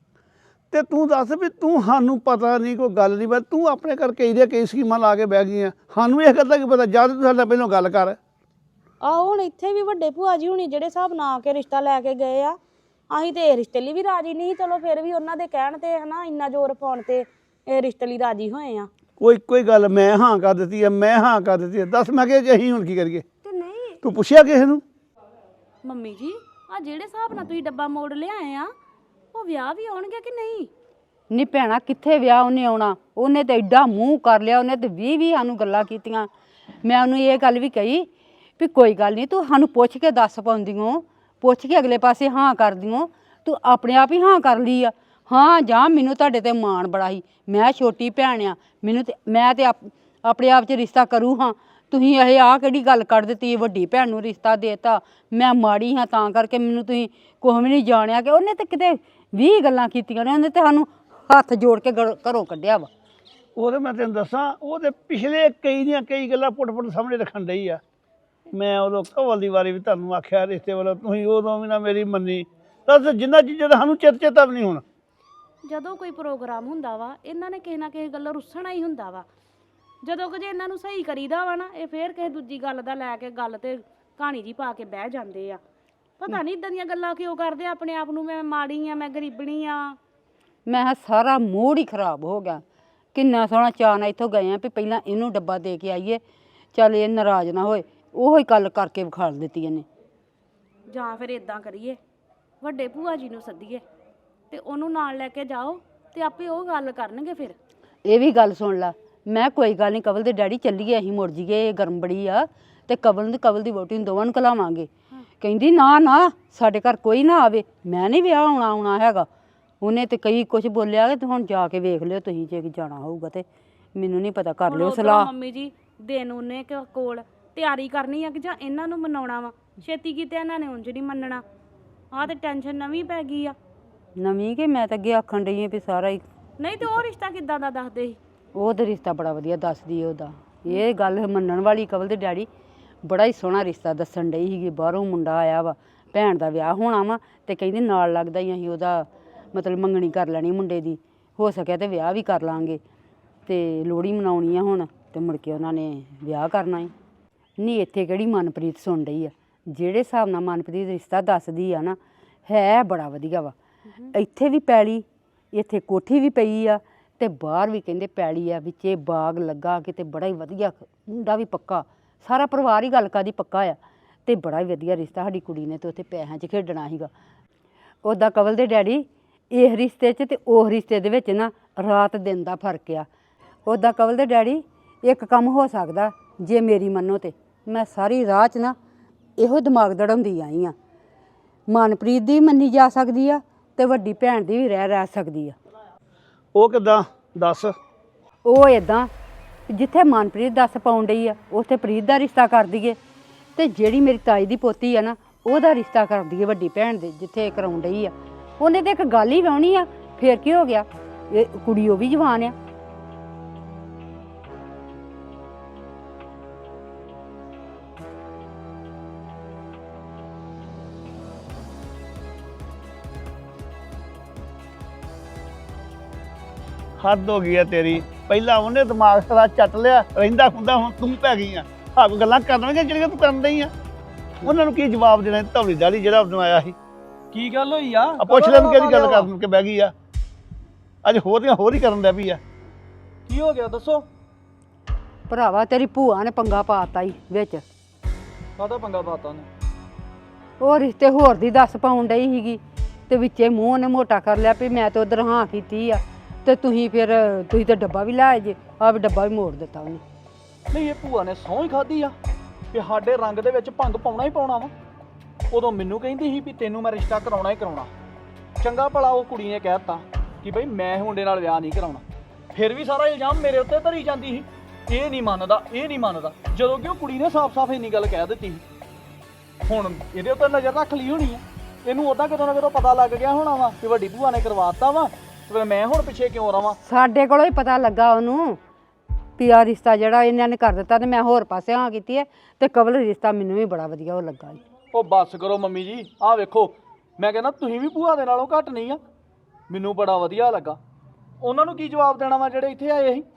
Speaker 9: ਤੇ ਤੂੰ ਦੱਸ ਵੀ ਤੂੰ ਸਾਨੂੰ ਪਤਾ ਨਹੀਂ ਕੋਈ ਗੱਲ ਨਹੀਂ ਬਸ ਤੂੰ ਆਪਣੇ ਕਰਕੇ ਇਹਦੇ ਕਈ ਸਕੀਮਾਂ ਲਾ ਕੇ ਬਹਿ ਗਈ ਆ ਸਾਨੂੰ ਇਹ ਗੱਲ ਦਾ ਕੀ ਪਤਾ ਜਦ ਤੂੰ ਸਾਡਾ ਪਹਿਲਾਂ ਗੱਲ ਕਰ
Speaker 8: ਆਹੋ ਹੁਣ ਇੱਥੇ ਵੀ ਵੱਡੇ ਭੂਆ ਜੀ ਹੁਣੀ ਜਿਹੜੇ ਹਿਸਾਬ ਨਾਲ ਆ ਕੇ ਰਿਸ਼ਤਾ ਲੈ ਕੇ ਗਏ ਆ ਅਸੀਂ ਤੇ ਇਹ ਰਿਸ਼ਤੇ ਲਈ ਵੀ ਰਾਜੀ ਨਹੀਂ ਚਲੋ ਫਿਰ ਵੀ ਉਹਨਾਂ ਦੇ ਕਹਿਣ ਤੇ ਹਨਾ ਇੰਨਾ ਜ਼ੋਰ ਪਾਉਣ ਤੇ ਇਹ ਰਿਸ਼ਤੇ ਲਈ ਰਾਜੀ ਹੋਏ ਆ
Speaker 9: ਕੋਈ ਗੱਲ ਮੈਂ ਹਾਂ ਕਰ ਦਿੱਤੀ ਆ ਮੈਂ ਹਾਂ ਕਰ ਦਿੱਤੀ ਆ ਦੱਸ ਮੈਂ ਕਿ ਅਸੀਂ ਹੁਣ ਕੀ ਕਰੀਏ
Speaker 8: ਤੇ ਨਹੀਂ
Speaker 9: ਤੂੰ ਪੁੱਛਿਆ ਕਿਸੇ ਨੂੰ
Speaker 8: ਮੰਮੀ ਜੀ ਆ ਜਿਹੜੇ ਹਿਸਾਬ ਨਾਲ ਤੁਸੀਂ ਡੱਬਾ ਮੋੜ ਲਿਆਏ ਆ ਉਹ ਵਿਆਹ ਵੀ ਆਉਣਗੇ ਕਿ ਨਹੀਂ
Speaker 2: ਨੀ ਭੈਣਾ ਕਿੱਥੇ ਵਿਆਹ ਉਹਨੇ ਆਉਣਾ ਉਹਨੇ ਤੇ ਐਡਾ ਮੂੰਹ ਕਰ ਲਿਆ ਉਹਨੇ ਤੇ 20 ਸਾਨੂੰ ਗੱਲਾਂ ਕੀਤੀਆਂ ਮੈਂ ਉਹਨੂੰ ਇਹ ਗੱਲ ਵੀ ਕਹੀ ਵੀ ਕੋਈ ਗੱਲ ਨਹੀਂ ਤੂੰ ਸਾਨੂੰ ਪੁੱਛ ਕੇ ਦੱਸ ਪਾਉਂਦੀਓ ਪੁੱਛ ਕੇ ਅਗਲੇ ਪਾਸੇ ਹਾਂ ਕਰਦੀਓ ਤੂੰ ਆਪਣੇ ਆਪ ਹੀ ਹਾਂ ਕਰ ਲਈ ਆ ਹਾਂ ਜਾਂ ਮੈਨੂੰ ਤੁਹਾਡੇ ਤੇ ਮਾਣ ਬੜਾ ਸੀ ਮੈਂ ਛੋਟੀ ਭੈਣ ਆ ਮੈਨੂੰ ਤੇ ਮੈਂ ਤੇ ਆਪਣੇ ਆਪ 'ਚ ਰਿਸ਼ਤਾ ਕਰੂ ਹਾਂ ਤੁਸੀਂ ਇਹ ਆਹ ਕਿਹੜੀ ਗੱਲ ਕੱਢ ਦਿੱਤੀ ਵੱਡੀ ਭੈਣ ਨੂੰ ਰਿਸ਼ਤਾ ਦੇਤਾ ਮੈਂ ਮਾੜੀ ਹਾਂ ਤਾਂ ਕਰਕੇ ਮੈਨੂੰ ਤੁਸੀਂ ਕੁਛ ਵੀ ਨਹੀਂ ਜਾਣਿਆ ਕਿ ਉਹਨੇ ਤੇ ਕਿਤੇ 20 ਗੱਲਾਂ ਕੀਤੀਆਂ ਨੇ ਉਹਨੇ ਤੇ ਸਾਨੂੰ ਹੱਥ ਜੋੜ ਕੇ ਘਰੋਂ ਕੱਢਿਆ ਵਾ
Speaker 9: ਉਹਦੇ ਮੈਂ ਤੈਨੂੰ ਦੱਸਾਂ ਉਹਦੇ ਪਿਛਲੇ ਕਈ ਗੱਲਾਂ ਪੁੱਟ ਸਾਹਮਣੇ ਰੱਖਣ ਡਈ ਆ ਮੈਂ ਉਦੋਂ ਕਵਲ ਦੀ ਵਾਰੀ ਵੀ ਤੁਹਾਨੂੰ ਆਖਿਆ ਰਿਸ਼ਤੇ ਵੱਲੋਂ ਤੁਸੀਂ ਉਦੋਂ ਵੀ ਨਾ ਮੇਰੀ ਮੰਨੀ ਦੱਸ ਜਿੰਨਾ ਚੀਜ਼ਾਂ ਦਾ ਸਾਨੂੰ ਚੇਤਾ ਵੀ ਨਹੀਂ ਹੁਣ
Speaker 8: ਜਦੋਂ ਕੋਈ ਪ੍ਰੋਗਰਾਮ ਹੁੰਦਾ ਵਾ ਇਹਨਾਂ ਨੇ ਕਿਸੇ ਨਾ ਕਿਸੇ ਗੱਲੋਂ ਰੁੱਸਣਾ ਹੀ ਹੁੰਦਾ ਵਾ ਜਦੋਂ ਕਿ ਜੇ ਇਹਨਾਂ ਨੂੰ ਸਹੀ ਕਰੀਦਾ ਵਾ ਨਾ ਇਹ ਫੇਰ ਕਿਸੇ ਦੂਜੀ ਗੱਲ ਦਾ ਲੈ ਕੇ ਗੱਲ ਤੇ ਕਹਾਣੀ ਜੀ ਪਾ ਕੇ ਬਹਿ ਜਾਂਦੇ ਆ ਪਤਾ ਨਹੀਂ ਇਦਾਂ ਦੀਆਂ ਗੱਲਾਂ ਕਿਉਂ ਕਰਦੇ ਆਪਣੇ ਆਪ ਨੂੰ ਮੈਂ ਮਾੜੀ ਆ ਮੈਂ ਗਰੀਬਣੀ ਆ
Speaker 2: ਮੈਂ ਕਿਹਾ ਸਾਰਾ ਮੂਡ ਹੀ ਖਰਾਬ ਹੋ ਗਿਆ ਕਿੰਨਾ ਸੋਹਣਾ ਚਾਅ ਨਾਲ ਇੱਥੋਂ ਗਏ ਆ ਵੀ ਪਹਿਲਾਂ ਇਹਨੂੰ ਡੱਬਾ ਦੇ ਕੇ ਆਈਏ ਚੱਲ ਇਹ ਨਾਰਾਜ਼ ਨਾ ਹੋਏ ਉਹੋ ਹੀ ਗੱਲ ਕਰਕੇ ਵਿਖਾਲ ਦਿੱਤੀ ਇਹਨੇ
Speaker 8: ਜਾਂ ਫਿਰ ਇਦਾਂ ਕਰੀਏ ਵੱਡੇ ਭੂਆ ਜੀ ਨੂੰ ਸੱਦੀਏ ਤੇ ਉਹਨੂੰ ਨਾਲ ਲੈ ਕੇ ਜਾਓ ਤੇ ਆਪੇ ਉਹ ਗੱਲ ਕਰਨਗੇ ਫਿਰ
Speaker 2: ਇਹ ਵੀ ਗੱਲ ਸੁਣ ਲਾ ਮੈਂ ਕੋਈ ਗੱਲ ਨਹੀਂ ਕਵਲ ਦੇ ਡੈਡੀ ਚੱਲੀਏ ਅਸੀਂ ਮੁੜ ਜੀਏ ਗਰਮ ਬੜੀ ਆ ਤੇ ਕਵਲ ਦੀ ਵਹੁਟੀ ਨੂੰ ਦੋਵਾਂ ਨੂੰ ਕਲਾਵਾਂਗੇ ਕਹਿੰਦੀ ਨਾ ਸਾਡੇ ਘਰ ਕੋਈ ਨਾ ਆਵੇ ਮੈਂ ਨਹੀਂ ਵਿਆਹ ਆਉਣਾ ਹੈਗਾ ਉਹਨੇ ਤੇ ਕਈ ਕੁਝ ਬੋਲਿਆ ਤੇ ਹੁਣ ਜਾ ਕੇ ਵੇਖ ਲਿਓ ਤੁਸੀਂ ਜੇ ਜਾਣਾ ਹੋਊਗਾ ਤੇ ਮੈਨੂੰ ਨਹੀਂ ਪਤਾ ਕਰ ਲਿਓ ਸਲਾਹ
Speaker 8: ਮੰਮੀ ਜੀ ਦਿਨ ਉਹਨੇ ਕੋਲ ਤਿਆਰੀ ਕਰਨੀ ਆ ਕਿ ਜਾਂ ਇਹਨਾਂ ਨੂੰ ਮਨਾਉਣਾ ਵਾ ਛੇਤੀ ਕੀਤੇ ਇਹਨਾਂ ਨੇ ਉਂਝ ਨਹੀਂ ਮੰਨਣਾ ਆਹ ਤੇ ਟੈਨਸ਼ਨ ਨਵੀਂ ਪੈ ਗਈ ਆ
Speaker 2: ਨਵੀਂ ਕਿ ਮੈਂ ਤਾਂ ਅੱਗੇ ਆਖਣ ਡਈ ਆਂ ਵੀ ਸਾਰਾ ਹੀ
Speaker 8: ਨਹੀਂ ਤੇ ਉਹ ਰਿਸ਼ਤਾ ਕਿੱਦਾਂ ਦਾ ਦੱਸਦੇ ਸੀ
Speaker 2: ਉਹ ਤੇ ਰਿਸ਼ਤਾ ਬੜਾ ਵਧੀਆ ਦੱਸਦੀ ਉਹਦਾ ਇਹ ਗੱਲ ਮੰਨਣ ਵਾਲੀ ਕਵਲ ਦੇ ਡੈਡੀ ਬੜਾ ਹੀ ਸੋਹਣਾ ਰਿਸ਼ਤਾ ਦੱਸਣ ਡਈ ਸੀਗੀ ਬਾਹਰੋਂ ਮੁੰਡਾ ਆਇਆ ਵਾ ਭੈਣ ਦਾ ਵਿਆਹ ਹੋਣਾ ਵਾ ਤੇ ਕਹਿੰਦੀ ਨਾਲ ਲੱਗਦਾ ਹੀ ਅਸੀਂ ਉਹਦਾ ਮਤਲਬ ਮੰਗਣੀ ਕਰ ਲੈਣੀ ਮੁੰਡੇ ਦੀ ਹੋ ਸਕਿਆ ਤੇ ਵਿਆਹ ਵੀ ਕਰ ਲਾਂਗੇ ਤੇ ਲੋਹੜੀ ਮਨਾਉਣੀ ਆ ਹੁਣ ਤੇ ਮੁੜ ਕੇ ਉਹਨਾਂ ਨੇ ਵਿਆਹ ਕਰਨਾ ਹੀ ਨਹੀਂ ਇੱਥੇ ਕਿਹੜੀ ਮਨਪ੍ਰੀਤ ਸੁਣ ਰਹੀ ਆ ਜਿਹੜੇ ਹਿਸਾਬ ਨਾਲ ਮਨਪ੍ਰੀਤ ਰਿਸ਼ਤਾ ਦੱਸਦੀ ਆ ਨਾ ਹੈ ਬੜਾ ਵਧੀਆ ਵਾ ਇੱਥੇ ਵੀ ਪੈਲੀ ਇੱਥੇ ਕੋਠੀ ਵੀ ਪਈ ਆ ਤੇ ਬਾਹਰ ਵੀ ਕਹਿੰਦੇ ਪੈਲੀ ਆ ਵਿੱਚੇ ਬਾਗ ਲੱਗਾ ਕਿਤੇ ਬੜਾ ਹੀ ਵਧੀਆ ਮੁੰਡਾ ਵੀ ਪੱਕਾ ਸਾਰਾ ਪਰਿਵਾਰ ਹੀ ਗੱਲ ਕਾਦੀ ਪੱਕਾ ਆ ਤੇ ਬੜਾ ਹੀ ਵਧੀਆ ਰਿਸ਼ਤਾ ਸਾਡੀ ਕੁੜੀ ਨੇ ਤੇ ਉੱਥੇ ਪੈਸਿਆਂ 'ਚ ਖੇਡਣਾ ਸੀਗਾ ਉੱਦਾਂ ਕਵਲ ਦੇ ਡੈਡੀ ਇਹ ਰਿਸ਼ਤੇ 'ਚ ਤੇ ਉਹ ਰਿਸ਼ਤੇ ਦੇ ਵਿੱਚ ਨਾ ਰਾਤ ਦਿਨ ਦਾ ਫਰਕ ਆ ਉੱਦਾਂ ਕਵਲ ਦੇ ਡੈਡੀ ਇੱਕ ਕੰਮ ਹੋ ਸਕਦਾ ਜੇ ਮੇਰੀ ਮੰਨੋ ਤੇ ਮੈਂ ਸਾਰੀ ਰਾਹ 'ਚ ਨਾ ਇਹੋ ਦਿਮਾਗ ਦੜਾਉਂਦੀ ਆਈ ਆ ਮਨਪ੍ਰੀਤ ਦੀ ਮੰਨੀ ਜਾ ਸਕਦੀ ਆ ਤੇ ਵੱਡੀ ਭੈਣ ਦੀ ਵੀ ਰਹਿ ਸਕਦੀ ਆ
Speaker 9: ਉਹ ਕਿੱਦਾਂ ਦੱਸ
Speaker 2: ਉਹ ਇਦਾਂ ਜਿੱਥੇ ਮਨਪ੍ਰੀਤ ਦੱਸ ਪਾਉਣ ਡਈ ਆ ਉੱਥੇ ਪ੍ਰੀਤ ਦਾ ਰਿਸ਼ਤਾ ਕਰ ਦਈਏ ਤੇ ਜਿਹੜੀ ਮੇਰੀ ਤਾਈ ਦੀ ਪੋਤੀ ਆ ਨਾ ਉਹਦਾ ਰਿਸ਼ਤਾ ਕਰ ਦਈਏ ਵੱਡੀ ਭੈਣ ਦੇ ਜਿੱਥੇ ਕਰਾਉਣ ਡਈ ਆ ਉਹਨੇ ਤੇ ਇੱਕ ਗੱਲ ਹੀ ਵਾਉਣੀ ਆ ਫੇਰ ਕੀ ਹੋ ਗਿਆ ਇਹ ਕੁੜੀ ਉਹ ਵੀ ਜਵਾਨ ਆ
Speaker 9: ਹੱਦ ਹੋ ਗਈ ਆ ਤੇਰੀ ਪਹਿਲਾਂ ਉਹਨੇ ਦਿਮਾਗ ਸਾਰਾ ਚੱਟ ਲਿਆ ਰਹਿੰਦਾ ਹੁੰਦਾ ਹੁਣ ਤੂੰ ਪੈ ਗਈ ਆ ਆਪ ਗੱਲਾਂ ਕਰਨਗੇ ਜਿਹੜੀਆਂ ਤੂੰ ਕਰਨ ਡਈ ਆ ਉਹਨਾਂ ਨੂੰ ਕੀ ਜਵਾਬ ਦੇਣਾ ਧੌਲੀ ਦਾੜੀ ਜਿਹੜਾ ਉਦੋਂ ਆਇਆ ਸੀ
Speaker 6: ਕੀ ਗੱਲ ਹੋਈ ਆ
Speaker 9: ਪੁੱਛ ਲੈ ਨੂੰ ਕਿਹੜੀ ਗੱਲ ਕਰਨ ਕੇ ਬਹਿ ਗਈ ਆ ਅੱਜ ਹੋਰ ਹੀ ਕਰਨ ਲੱਗ ਪਈ ਆ
Speaker 6: ਕੀ ਹੋ ਗਿਆ ਦੱਸੋ
Speaker 2: ਭਰਾਵਾ ਤੇਰੀ ਭੂਆ ਨੇ ਪੰਗਾ ਪਾਤਾ ਈ ਵਿੱਚ
Speaker 6: ਕਾਹਦਾ ਪੰਗਾ ਪਾਤਾ ਨੇ
Speaker 2: ਉਹ ਰਿਸ਼ਤੇ ਹੋਰ ਦੀ ਦੱਸ ਪਾਉਣ ਡਈ ਸੀਗੀ ਤੇ ਵਿੱਚੇ ਮੂੰਹ ਉਹਨੇ ਮੋਟਾ ਕਰ ਲਿਆ ਵੀ ਮੈਂ ਤਾਂ ਉਧਰ ਹਾਂ ਕੀਤੀ ਆ ਤੇ ਤੁਸੀਂ ਤਾਂ ਡੱਬਾ ਵੀ ਲਾਏ ਜੇ ਆਹ ਵੀ ਡੱਬਾ ਵੀ ਮੋੜ ਦਿੱਤਾ ਉਹਨੇ
Speaker 6: ਨਹੀਂ ਇਹ ਭੂਆ ਨੇ ਸਹੁੰ ਹੀ ਖਾਧੀ ਆ ਕਿ ਸਾਡੇ ਰੰਗ ਦੇ ਵਿੱਚ ਭੰਗ ਪਾਉਣਾ ਹੀ ਪਾਉਣਾ ਵਾ
Speaker 10: ਉਦੋਂ ਮੈਨੂੰ ਕਹਿੰਦੀ ਸੀ ਵੀ ਤੈਨੂੰ ਮੈਂ ਰਿਸ਼ਤਾ ਕਰਾਉਣਾ ਹੀ ਕਰਾਉਣਾ। ਚੰਗਾ ਭਲਾ ਉਹ ਕੁੜੀ ਨੇ ਕਹਿ ਦਿੱਤਾ ਕਿ ਬਈ ਮੈਂ ਮੁੰਡੇ ਨਾਲ ਵਿਆਹ ਨਹੀਂ ਕਰਾਉਣਾ, ਫਿਰ ਵੀ ਸਾਰਾ ਇਲਜ਼ਾਮ ਮੇਰੇ ਉੱਤੇ ਧਰੀ ਜਾਂਦੀ ਸੀ। ਇਹ ਨਹੀਂ ਮੰਨਦਾ, ਇਹ ਨਹੀਂ ਮੰਨਦਾ, ਜਦੋਂ ਕਿ ਉਹ ਕੁੜੀ ਨੇ ਸਾਫ਼-ਸਾਫ਼ ਇੰਨੀ ਗੱਲ ਕਹਿ ਦਿੱਤੀ ਸੀ। ਹੁਣ ਇਹਦੇ ਉੱਤੇ ਨਜ਼ਰ ਰੱਖ ਲਈ ਹੋਣੀ ਆ, ਇਹਨੂੰ ਉਦਾਂ ਕਿਤੋਂ ਨਾ ਕਿਤੋਂ ਪਤਾ ਲੱਗ ਗਿਆ ਹੋਣਾ ਵਾ ਕਿ ਵੱਡੀ ਭੂਆ ਨੇ ਕਰਵਾਤਾ ਵਾ, ਤੇ ਮੈਂ ਹੁਣ ਪਿੱਛੇ ਕਿਉਂ ਰਵਾਂ।
Speaker 7: ਸਾਡੇ ਕੋਲੋਂ ਹੀ ਪਤਾ ਲੱਗਾ ਉਹਨੂੰ ਵੀ ਆਹ ਰਿਸ਼ਤਾ ਜਿਹੜਾ ਇਹਨਾਂ ਨੇ ਕਰ ਦਿੱਤਾ ਤੇ ਮੈਂ ਹੋਰ ਪਾਸੇ ਹਾਂ ਕੀਤੀ ਹੈ, ਤੇ ਕਵਲ ਰਿਸ਼ਤਾ ਮੈਨੂੰ ਵੀ ਬੜਾ ਵਧੀਆ ਉਹ ਲੱਗਾ ਜੀ।
Speaker 10: ਉਹ ਬੱਸ ਕਰੋ ਮੰਮੀ ਜੀ, ਆਹ ਵੇਖੋ ਮੈਂ ਕਹਿੰਦਾ ਤੁਸੀਂ ਵੀ ਭੂਆ ਦੇ ਨਾਲੋਂ ਘੱਟ ਨਹੀਂ ਆ, ਮੈਨੂੰ ਬੜਾ ਵਧੀਆ ਲੱਗਾ। ਉਹਨਾਂ ਨੂੰ ਕੀ ਜਵਾਬ ਦੇਣਾ ਵਾ ਜਿਹੜੇ ਇੱਥੇ ਆਏ ਸੀ?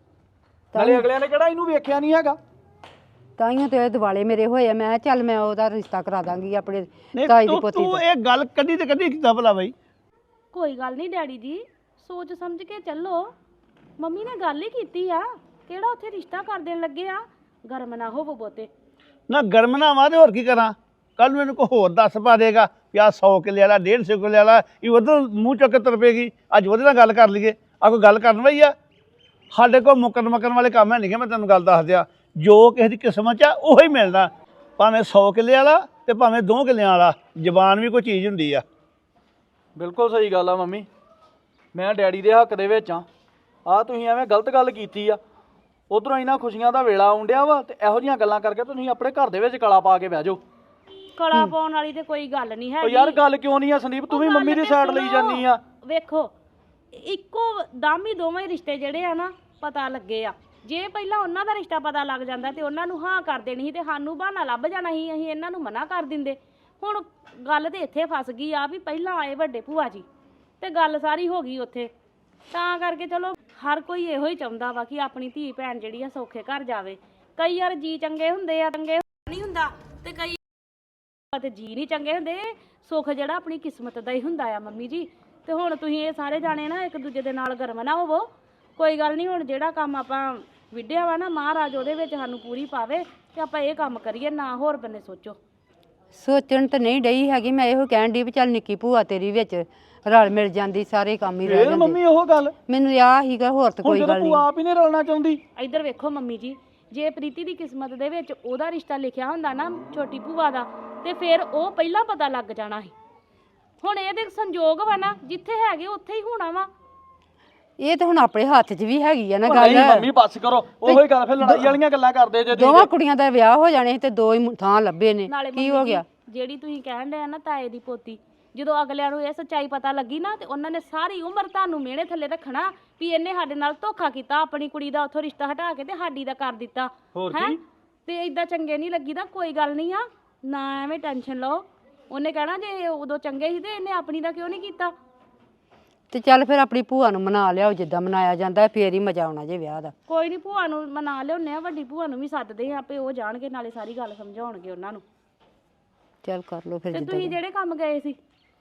Speaker 10: ਨਾਲੇ ਅਗਲਿਆਂ ਨੇ ਕਿਹੜਾ ਇਹਨੂੰ ਵੇਖਿਆ ਨਹੀਂ ਹੈਗਾ।
Speaker 7: ਤਾਈਓ ਤੇ ਇਹ ਦਿਵਾਲੇ ਮੇਰੇ ਹੋਏ ਆ, ਮੈਂ ਕਿਹਾ ਚੱਲ ਮੈਂ ਉਹਦਾ ਰਿਸ਼ਤਾ ਕਰਾ ਦਾਂਗੀ ਆਪਣੇ ਤਾਈ ਦੀ ਪੋਤੀ
Speaker 9: ਤੂੰ
Speaker 7: ਦਾ।
Speaker 9: ਇਹ ਗੱਲ ਕੱਢੀ ਤੇ ਕੱਢੀ ਕਿੱਦਾਂ ਭਲਾ ਬਈ?
Speaker 8: ਕੋਈ ਗੱਲ ਨਹੀਂ ਡੈਡੀ ਜੀ, ਸੋਚ ਸਮਝ ਕੇ ਚੱਲੋ। ਮੰਮੀ ਨੇ ਗੱਲ ਹੀ ਕੀਤੀ ਆ, ਕਿਹੜਾ ਉੱਥੇ ਰਿਸ਼ਤਾ ਕਰ ਦੇਣ ਲੱਗੇ ਆ। ਗਰਮ ਨਾ ਹੋਵੋ ਬਹੁਤੇ।
Speaker 9: ਨਾ ਗਰਮ ਨਾ ਵਾ ਤੇ ਹੋਰ ਕੀ ਕਰਾਂ? ਕੱਲ ਨੂੰ ਮੈਨੂੰ ਕੋਈ ਹੋਰ ਦੱਸ ਪਾ ਦੇਗਾ ਵੀ ਆਹ 100 ਕਿੱਲੇ ਵਾਲਾ 150 ਕਿੱਲੇ ਵਾਲਾ, ਇਹ ਉਧਰ ਮੂੰਹ ਚੁੱਕ ਕੇ ਤੁਰ ਪਏਗੀ। ਅੱਜ ਉਹਦੇ ਨਾਲ ਗੱਲ ਕਰ ਲਈਏ, ਆ ਕੋਈ ਗੱਲ ਕਰਨ ਵਈ ਆ? ਸਾਡੇ ਕੋਲ ਮੁੱਕਣ ਵਾਲੇ ਕੰਮ ਹੈ ਨਹੀਂ। ਮੈਂ ਤੈਨੂੰ ਗੱਲ ਦੱਸ ਦਿਆਂ, ਜੋ ਕਿਸੇ ਦੀ ਕਿਸਮਤ 'ਚ ਆ ਉਹੀ ਮਿਲਦਾ, ਭਾਵੇਂ 100 ਕਿੱਲੇ ਵਾਲਾ ਤੇ ਭਾਵੇਂ 2 ਕਿੱਲਿਆਂ ਵਾਲਾ। ਜ਼ਬਾਨ ਵੀ ਕੋਈ ਚੀਜ਼ ਹੁੰਦੀ ਆ।
Speaker 10: ਬਿਲਕੁਲ ਸਹੀ ਗੱਲ ਆ ਮੰਮੀ, ਮੈਂ ਡੈਡੀ ਦੇ ਹੱਕ ਦੇ ਵਿੱਚ ਆ ਤੁਸੀਂ ਐਵੇਂ ਗਲਤ ਗੱਲ ਕੀਤੀ ਆ। ਉਧਰੋਂ ਇਹਨਾਂ ਖੁਸ਼ੀਆਂ ਦਾ ਵੇਲਾ ਆਉਂਦਿਆ ਵਾ ਤੇ ਇਹੋ ਜਿਹੀਆਂ ਗੱਲਾਂ ਕਰਕੇ ਤੁਸੀਂ ਆਪਣੇ ਘਰ ਦੇ ਵਿੱਚ ਕਲਾ ਪਾ ਕੇ ਬਹਿ ਜਾਓ।
Speaker 8: ਕਲਾ ਪਾਉਣ ਵਾਲੀ ਤੇ ਕੋਈ ਗੱਲ ਨਹੀਂ
Speaker 10: ਉਹ
Speaker 8: ਹੈਗੀ।
Speaker 10: ਯਾਰ ਗੱਲ ਕਿਉਂ ਨਹੀਂ ਆ ਸੰਦੀਪ, ਤੂੰ ਵੀ ਮੰਮੀ ਦੀ ਸਾਈਡ ਲਈ ਜਾਂਦੀ ਆ।
Speaker 8: ਵੇਖੋ ਇੱਕੋ ਦਮ ਹੀ ਦੋਵੇਂ ਰਿਸ਼ਤੇ ਜਿਹੜੇ ਆ ਨਾ ਪਤਾ ਲੱਗੇ ਆ। ਜੇ ਪਹਿਲਾਂ ਉਹਨਾਂ ਦਾ ਰਿਸ਼ਤਾ ਪਤਾ ਲੱਗ ਜਾਂਦਾ ਤੇ ਉਹਨਾਂ ਨੂੰ ਹਾਂ ਕਰ ਦੇਣੀ ਸੀ ਤੇ ਸਾਨੂੰ ਬਹਾਨਾ ਲੱਭ ਜਾਣਾ ਸੀ, ਅਸੀਂ ਇਹਨਾਂ ਨੂੰ ਮਨਾ ਕਰ ਦਿੰਦੇ। ਹੁਣ ਗੱਲ ਤੇ ਇੱਥੇ ਫਸ ਗਈ ਆ ਵੀ ਪਹਿਲਾਂ ਆਏ ਵੱਡੇ ਭੂਆ ਜੀ ਤੇ ਗੱਲ ਸਾਰੀ ਹੋ ਗਈ ਉੱਥੇ। ਤਾਂ ਕਰਕੇ ਚਲੋ ਹਰ ਕੋਈ ਇਹੋ ਹੀ ਚਾਹੁੰਦਾ ਵਾ ਕਿ ਆਪਣੀ ਧੀ ਭੈਣ ਜਿਹੜੀ ਆ ਸੌਖੇ ਘਰ ਜਾਵੇ। ਕਈ ਵਾਰ ਜੀ ਚੰਗੇ ਹੁੰਦੇ ਆ, ਚੰਗੇ ਨਹੀਂ ਹੁੰਦਾ, ਤੇ ਕਈ ਤੇ ਜੀ ਨਹੀਂ ਚੰਗੇ ਹੁੰਦੇ। ਸੁੱਖ ਜਿਹੜਾ ਆਪਣੀ ਕਿਸਮਤ ਦਾ ਹੀ ਹੁੰਦਾ ਆ ਮੰਮੀ ਜੀ। ਤੇ ਹੁਣ ਤੁਸੀਂ ਇਹ ਸਾਰੇ ਜਾਣੇ ਨਾ ਇੱਕ ਦੂਜੇ ਦੇ ਨਾਲ ਗਰਮ ਨਾ ਹੋਵੋ। ਕੋਈ ਗੱਲ ਨਹੀਂ, ਹੁਣ ਜਿਹੜਾ ਕੰਮ ਆਪਾਂ ਵਿੱਢਿਆ ਵਾ ਨਾ ਮਹਾਰਾਜ ਉਹਦੇ ਵਿੱਚ ਸਾਨੂੰ ਪੂਰੀ ਪਾਵੇ ਤੇ ਆਪਾਂ ਇਹ ਕੰਮ ਕਰੀਏ, ਨਾ ਹੋਰ ਬੰਨੇ ਸੋਚੋ।
Speaker 7: ਸੋਚਣ ਤਾਂ ਨਹੀਂ ਡਈ ਹੈਗੀ, ਮੈਂ ਇਹੋ ਕਹਿਣ ਦੀ ਵੀ ਚੱਲ ਨਿੱਕੀ ਭੂਆ ਤੇਰੀ ਵਿੱਚ ਰਲ ਮਿਲ ਜਾਂਦੀ, ਸਾਰੇ ਕੰਮ ਹੀ ਰਹਿ
Speaker 10: ਫੇਰ
Speaker 7: ਜਾਂਦੇ।
Speaker 10: ਮੰਮੀ ਉਹ ਗੱਲ
Speaker 7: ਮੈਨੂੰ ਆਹ ਹੀਗਾ, ਹੋਰ ਤਾਂ ਕੋਈ ਗੱਲ
Speaker 10: ਤੂੰ
Speaker 7: ਨਹੀਂ।
Speaker 10: ਆਪ ਹੀ ਨਹੀਂ ਰਲਣਾ ਚਾਹੁੰਦੀ।
Speaker 8: ਇੱਧਰ ਵੇਖੋ ਮੰਮੀ ਜੀ, ਜੇ ਪ੍ਰੀਤੀ ਦੀ ਕਿਸਮਤ ਦੇ ਵਿੱਚ ਉਹਦਾ ਰਿਸ਼ਤਾ ਲਿਖਿਆ ਹੁੰਦਾ ਨਾ ਛੋਟੀ ਭੂਆ ਦਾ, ਤੇ ਫਿਰ ਉਹ ਪਹਿਲਾਂ ਪਤਾ ਲੱਗ ਜਾਣਾ ਸੀ। ਹੁਣ ਇਹਦੇ ਸੰਜੋਗ ਵਾ ਨਾ, ਜਿੱਥੇ ਹੈਗੇ ਉੱਥੇ ਹੀ ਹੋਣਾ ਵਾ।
Speaker 7: ਇਹ ਤਾਂ ਹੁਣ ਆਪਣੇ ਹੱਥ 'ਚ ਵੀ ਹੈਗੀ ਆ ਨਾ
Speaker 10: ਉਹ
Speaker 7: ਗੱਲ।
Speaker 10: ਨਹੀਂ ਮੰਮੀ ਬੱਸ ਕਰੋ, ਉਹੋ ਹੀ ਗੱਲ, ਫਿਰ ਲੜਾਈ ਵਾਲੀਆਂ ਗੱਲਾਂ ਕਰਦੇ ਜੇ ਤੁਸੀਂ।
Speaker 7: ਦੋਵਾਂ ਕੁੜੀਆਂ ਦਾ ਵਿਆਹ ਹੋ ਜਾਣੇ ਸੀ ਤੇ ਦੋ ਹੀ ਥਾਂ ਲੱਭੇ ਨੇ,
Speaker 8: ਨਾਲੇ
Speaker 7: ਕੀ
Speaker 8: ਮੰਮੀ
Speaker 7: ਹੋ
Speaker 8: ਜੀ,
Speaker 7: ਗਿਆ?
Speaker 8: ਜਿਹੜੀ ਤੁਸੀਂ ਕਹਿਣ ਡਏ ਆ ਨਾ ਤਾਏ ਦੀ ਪੋਤੀ, ਜਦੋਂ ਅਗਲਿਆਂ ਨੂੰ ਇਹ ਸੱਚਾਈ ਪਤਾ ਲੱਗੀ ਨਾ ਤੇ ਉਹਨਾਂ ਨੇ ਸਾਰੀ ਉਮਰ ਤੁਹਾਨੂੰ ਮਿਹਣੇ ਥੱਲੇ ਰੱਖਣਾ ਵੀ ਇਹਨੇ ਸਾਡੇ ਨਾਲ ਧੋਖਾ ਕੀਤਾ, ਆਪਣੀ ਕੁੜੀ ਦਾ ਉੱਥੋਂ ਰਿਸ਼ਤਾ ਹਟਾ ਕੇ ਤੇ ਸਾਡੀ ਦਾ ਕਰ ਦਿੱਤਾ।
Speaker 10: ਹੋਰ
Speaker 8: ਹੈਂ?
Speaker 10: ਕੀ?
Speaker 8: ਤੇ ਇਦਾਂ ਚੰਗੇ ਨਹੀਂ ਲੱਗੀਦਾ। ਕੋਈ ਗੱਲ ਨਹੀਂ ਆ, ਨਾ ਐਵੇਂ ਟੈਨਸ਼ਨ ਲਓ। ਉਹਨੇ ਕਹਿਣਾ ਜੇ ਉਦੋਂ ਚੰਗੇ ਸੀ ਤੇ ਇਹਨੇ ਆਪਣੀ ਦਾ ਕਿਉਂ ਨਹੀਂ ਕੀਤਾ।
Speaker 7: ਤੇ ਚੱਲ ਫਿਰ ਆਪਣੀ ਭੂਆ ਨੂੰ ਮਨਾ ਲਿਆਓ, ਜਿੱਦਾਂ ਮਨਾਇਆ ਜਾਂਦਾ, ਫੇਰ ਹੀ ਮਜ਼ਾ ਆਉਣਾ ਜੇ ਵਿਆਹ ਦਾ।
Speaker 8: ਕੋਈ ਨਹੀਂ, ਭੂਆ ਨੂੰ ਮਨਾ ਲਿਆਉਂਦੇ ਆ, ਵੱਡੀ ਭੂਆ ਨੂੰ ਵੀ ਸੱਦਦੇ ਆ, ਆਪੇ ਉਹ ਜਾਣਗੇ, ਨਾਲੇ ਸਾਰੀ ਗੱਲ ਸਮਝਾਉਣਗੇ ਉਹਨਾਂ ਨੂੰ।
Speaker 7: ਚੱਲ ਕਰ ਲਓ ਫਿਰ
Speaker 8: ਤੇ
Speaker 7: ਜਿੱਦਾਂ
Speaker 8: ਤੁਸੀਂ ਜਿਹੜੇ ਕੰਮ ਗਏ ਸੀ,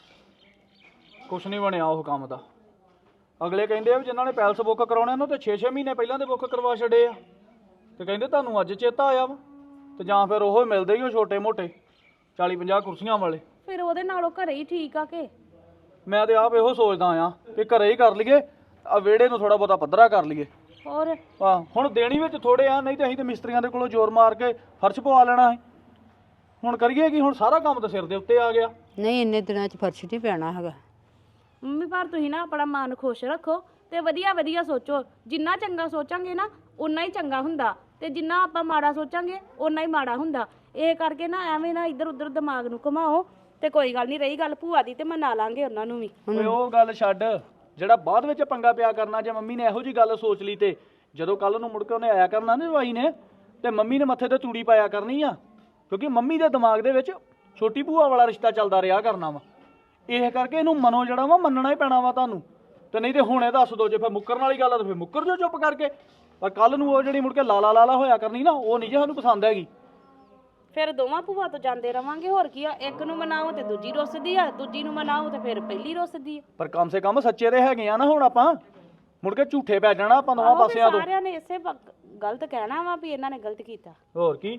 Speaker 10: ਕੁਛ ਨਹੀਂ ਬਣਿਆ ਉਹ ਕੰਮ ਦਾ। ਅਗਲੇ ਕਹਿੰਦੇ ਆ ਵੀ ਜਿਨ੍ਹਾਂ ਨੇ ਪੈਲਸ ਬੁੱਕ ਕਰਾਉਣੇ ਉਹਨਾਂ ਤੇ 6-6 ਮਹੀਨੇ ਪਹਿਲਾਂ ਦੇ ਬੁੱਕ ਕਰਵਾ ਛੱਡੇ ਆ, ਤੇ ਕਹਿੰਦੇ ਤੁਹਾਨੂੰ ਅੱਜ ਚੇਤਾ ਆਇਆ ਵਾ। ਤੇ ਜਾਂ ਫਿਰ ਉਹ ਮਿਲਦੇ ਹੀ ਉਹ ਛੋਟੇ ਮੋਟੇ 40-50 ਕੁਰਸੀਆਂ ਵਾਲੇ।
Speaker 8: ਫਿਰ ਉਹਦੇ ਨਾਲੋਂ ਘਰੇ ਹੀ ਠੀਕ ਆ ਕਿ?
Speaker 10: ਮੈਂ ਤੇ ਆਪ ਇਹੋ ਸੋਚਦਾ ਆ ਕਿ ਘਰੇ ਹੀ ਕਰ ਲਈਏ, ਆ ਵਿਹੜੇ ਨੂੰ ਥੋੜਾ ਬਹੁਤਾ ਪੱਧਰਾ ਕਰ ਲਈਏ।
Speaker 8: ਹੋਰ
Speaker 10: ਹੁਣ ਦੇਣੀ ਵਿੱਚ ਥੋੜੇ ਆ, ਨਹੀਂ ਤੇ ਅਸੀਂ ਤੇ ਮਿਸਤਰੀਆਂ ਦੇ ਕੋਲੋਂ ਜ਼ੋਰ ਮਾਰ ਕੇ ਫਰਸ਼ ਪਵਾ ਲੈਣਾ ਹੈ। ਹੁਣ ਕਰੀਏ ਕੀ? ਹੁਣ ਸਾਰਾ ਕੰਮ ਤਾਂ ਸਿਰ ਦੇ ਉੱਤੇ ਆ ਗਿਆ।
Speaker 7: ਨਹੀਂ, ਇੰਨੇ ਦਿਨਾਂ 'ਚ ਫਰਸ਼ ਨਹੀਂ ਪੈਣਾ ਹੈਗਾ।
Speaker 8: ਮੰਮੀ ਪਰ ਤੁਸੀਂ ਨਾ ਆਪਣਾ ਮਨ ਖੁਸ਼ ਰੱਖੋ ਤੇ ਵਧੀਆ ਵਧੀਆ ਸੋਚੋ। ਜਿੰਨਾ ਚੰਗਾ ਸੋਚਾਂਗੇ ਨਾ ਉਨਾ ਹੀ ਚੰਗਾ ਹੁੰਦਾ, ਤੇ ਜਿੰਨਾ ਆਪਾਂ ਮਾੜਾ ਸੋਚਾਂਗੇ ਉਨਾ ਹੀ ਮਾੜਾ ਹੁੰਦਾ। ਇਹ ਕਰਕੇ ਨਾ ਐਵੇਂ ਨਾ ਇੱਧਰ ਉੱਧਰ ਦਿਮਾਗ ਨੂੰ ਘੁਮਾਓ। ਤੇ ਕੋਈ ਗੱਲ ਨਹੀਂ, ਰਹੀ ਗੱਲ ਭੂਆ ਦੀ ਤੇ ਮਨਾ ਲਾਂਗੇ ਉਹਨਾਂ ਨੂੰ ਵੀ।
Speaker 10: ਓਏ ਉਹ ਗੱਲ ਛੱਡ, ਜਿਹੜਾ ਬਾਅਦ ਵਿੱਚ ਪੰਗਾ ਪਿਆ ਕਰਨਾ। ਜੇ ਮੰਮੀ ਨੇ ਇਹੋ ਜੀ ਗੱਲ ਸੋਚ ਲਈ ਤੇ ਜਦੋਂ ਕੱਲ ਨੂੰ ਮੁੜ ਕੇ ਉਹਨੇ ਆਇਆ ਕਰਨਾ ਨਾ ਜਵਾਈ ਨੇ, ਤੇ ਮੰਮੀ ਨੇ ਮੱਥੇ ਤੇ ਤੂੜੀ ਪਾਇਆ ਕਰਨੀ ਆ, ਕਿਉਂਕਿ ਮੰਮੀ ਦੇ ਦਿਮਾਗ ਦੇ ਵਿੱਚ ਛੋਟੀ ਭੂਆ ਵਾਲਾ ਰਿਸ਼ਤਾ ਚੱਲਦਾ ਰਿਹਾ ਕਰਨਾ ਵਾ। ਇਹ ਕਰਕੇ ਇਹਨੂੰ ਮਨੋਂ ਜਿਹੜਾ ਵਾ ਮੰਨਣਾ ਹੀ ਪੈਣਾ ਵਾ ਤੁਹਾਨੂੰ। ਤੇ ਨਹੀਂ ਤੇ ਹੁਣੇ ਦੱਸ ਦੋ, ਜੇ ਫਿਰ ਮੁੱਕਰਨ ਵਾਲੀ ਗੱਲ ਆ ਤਾਂ ਫਿਰ ਮੁੱਕਰ ਜੋ ਚੁੱਪ ਕਰਕੇ। ਪਰ ਕੱਲ ਨੂੰ ਉਹ ਜਿਹੜੀ ਮੁੜ ਕੇ ਲਾਲਾ ਹੋਇਆ ਕਰਨੀ ਨਾ, ਉਹ ਨਹੀਂ ਜੇ ਸਾਨੂੰ ਪਸੰਦ ਹੈਗੀ।
Speaker 8: ਫਿਰ ਦੋਵਾਂ ਭੂਆ ਤੋਂ ਜਾਂਦੇ ਰਵਾਂਗੇ, ਹੋਰ ਕੀ ਆ। ਇੱਕ ਨੂੰ ਮਨਾਓ ਤੇ ਦੂਜੀ ਰੁੱਸਦੀ ਆ, ਦੂਜੀ ਨੂੰ ਮਨਾਓ ਤੇ ਫਿਰ ਪਹਿਲੀ ਰੁੱਸਦੀ ਆ।
Speaker 10: ਪਰ ਕਮ ਸੇ ਕਮ ਸੱਚੇ ਤੇ ਹੈਗੇ ਆ ਨਾ। ਹੁਣ ਆਪਾਂ ਮੁੜ ਕੇ ਝੂਠੇ ਪੈ ਜਾਣਾ ਆਪਾਂ ਦੋਵਾਂ
Speaker 8: ਆਹੋ ਵੀ
Speaker 10: ਪਾਸਿਆਂ ਤੋਂ।
Speaker 8: ਸਾਰਿਆਂ ਨੇ ਇਸੇ ਗਲਤ ਕਹਿਣਾ ਵਾ ਵੀ ਇਹਨਾਂ ਨੇ ਗਲਤ ਕੀਤਾ।
Speaker 10: ਹੋਰ ਕੀ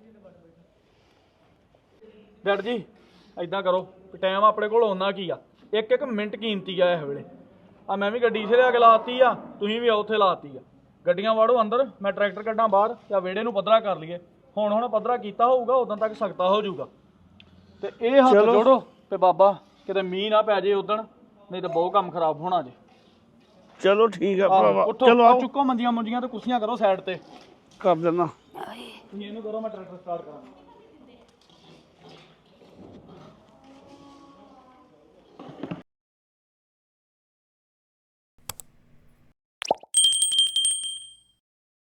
Speaker 10: ਡੈਡ ਜੀ, ਐਦਾਂ ਕਰੋ, ਟਾਈਮ ਆਪਣੇ ਕੋਲ ਓਨਾ ਕੀ ਆ, ਇੱਕ ਇੱਕ ਮਿੰਟ ਕੀਮਤੀ ਆ ਇਸ ਵੇਲੇ। ਆ ਮੈਂ ਵੀ ਗੱਡੀ ਇਸੇ ਲਿਆ ਕੇ ਲਾਤੀ ਆ, ਤੁਸੀਂ ਵੀ ਉੱਥੇ ਲਾਤੀ ਆ। ਗੱਡੀਆਂ ਵਾੜੋ ਅੰਦਰ, ਮੈਂ ਟਰੈਕਟਰ ਕੱਢਾਂ ਬਾਹਰ, ਜਾਂ ਵਿਹੜੇ ਨੂੰ ਪੱਧਰਾ ਕਰ ਲਈਏ। ਹੁਣ ਪੱਧਰਾ ਕੀਤਾ ਹੋਊਗਾ, ਉਦੋਂ ਤੱਕ ਸਖਤਾ ਹੋ ਜਾਊਗਾ। ਤੇ ਇਹ ਹੱਥ
Speaker 9: ਚਲੋ।
Speaker 10: ਜੋੜੋ ਤੇ ਬਾਬਾ ਕਿਤੇ ਮੀਂਹ ਨਾ ਪੈ ਜੇ ਉਦਣ, ਨਹੀਂ ਤਾਂ ਬਹੁਤ ਕੰਮ ਖਰਾਬ ਹੋਣਾ ਜੇ।
Speaker 9: ਚਲੋ ਠੀਕ ਆ ਭਰਾਵਾ,
Speaker 10: ਉੱਠੋ,
Speaker 9: ਚਲੋ
Speaker 10: ਆਹ
Speaker 9: ਆਓ
Speaker 10: ਚੁੱਕੋ ਮੰਜੀਆਂ ਮੁੰਜੀਆਂ ਤੇ ਕੁਰਸੀਆਂ ਕਰੋ ਸਾਈਡ ਤੇ।
Speaker 9: ਕਰ ਦੇਣਾ।
Speaker 10: ਤੁਸੀਂ ਇਹਨੂੰ ਕਰੋ, ਮੈਂ ਟਰੈਕਟਰ ਸਟਾਰਟ ਕਰਾਂ।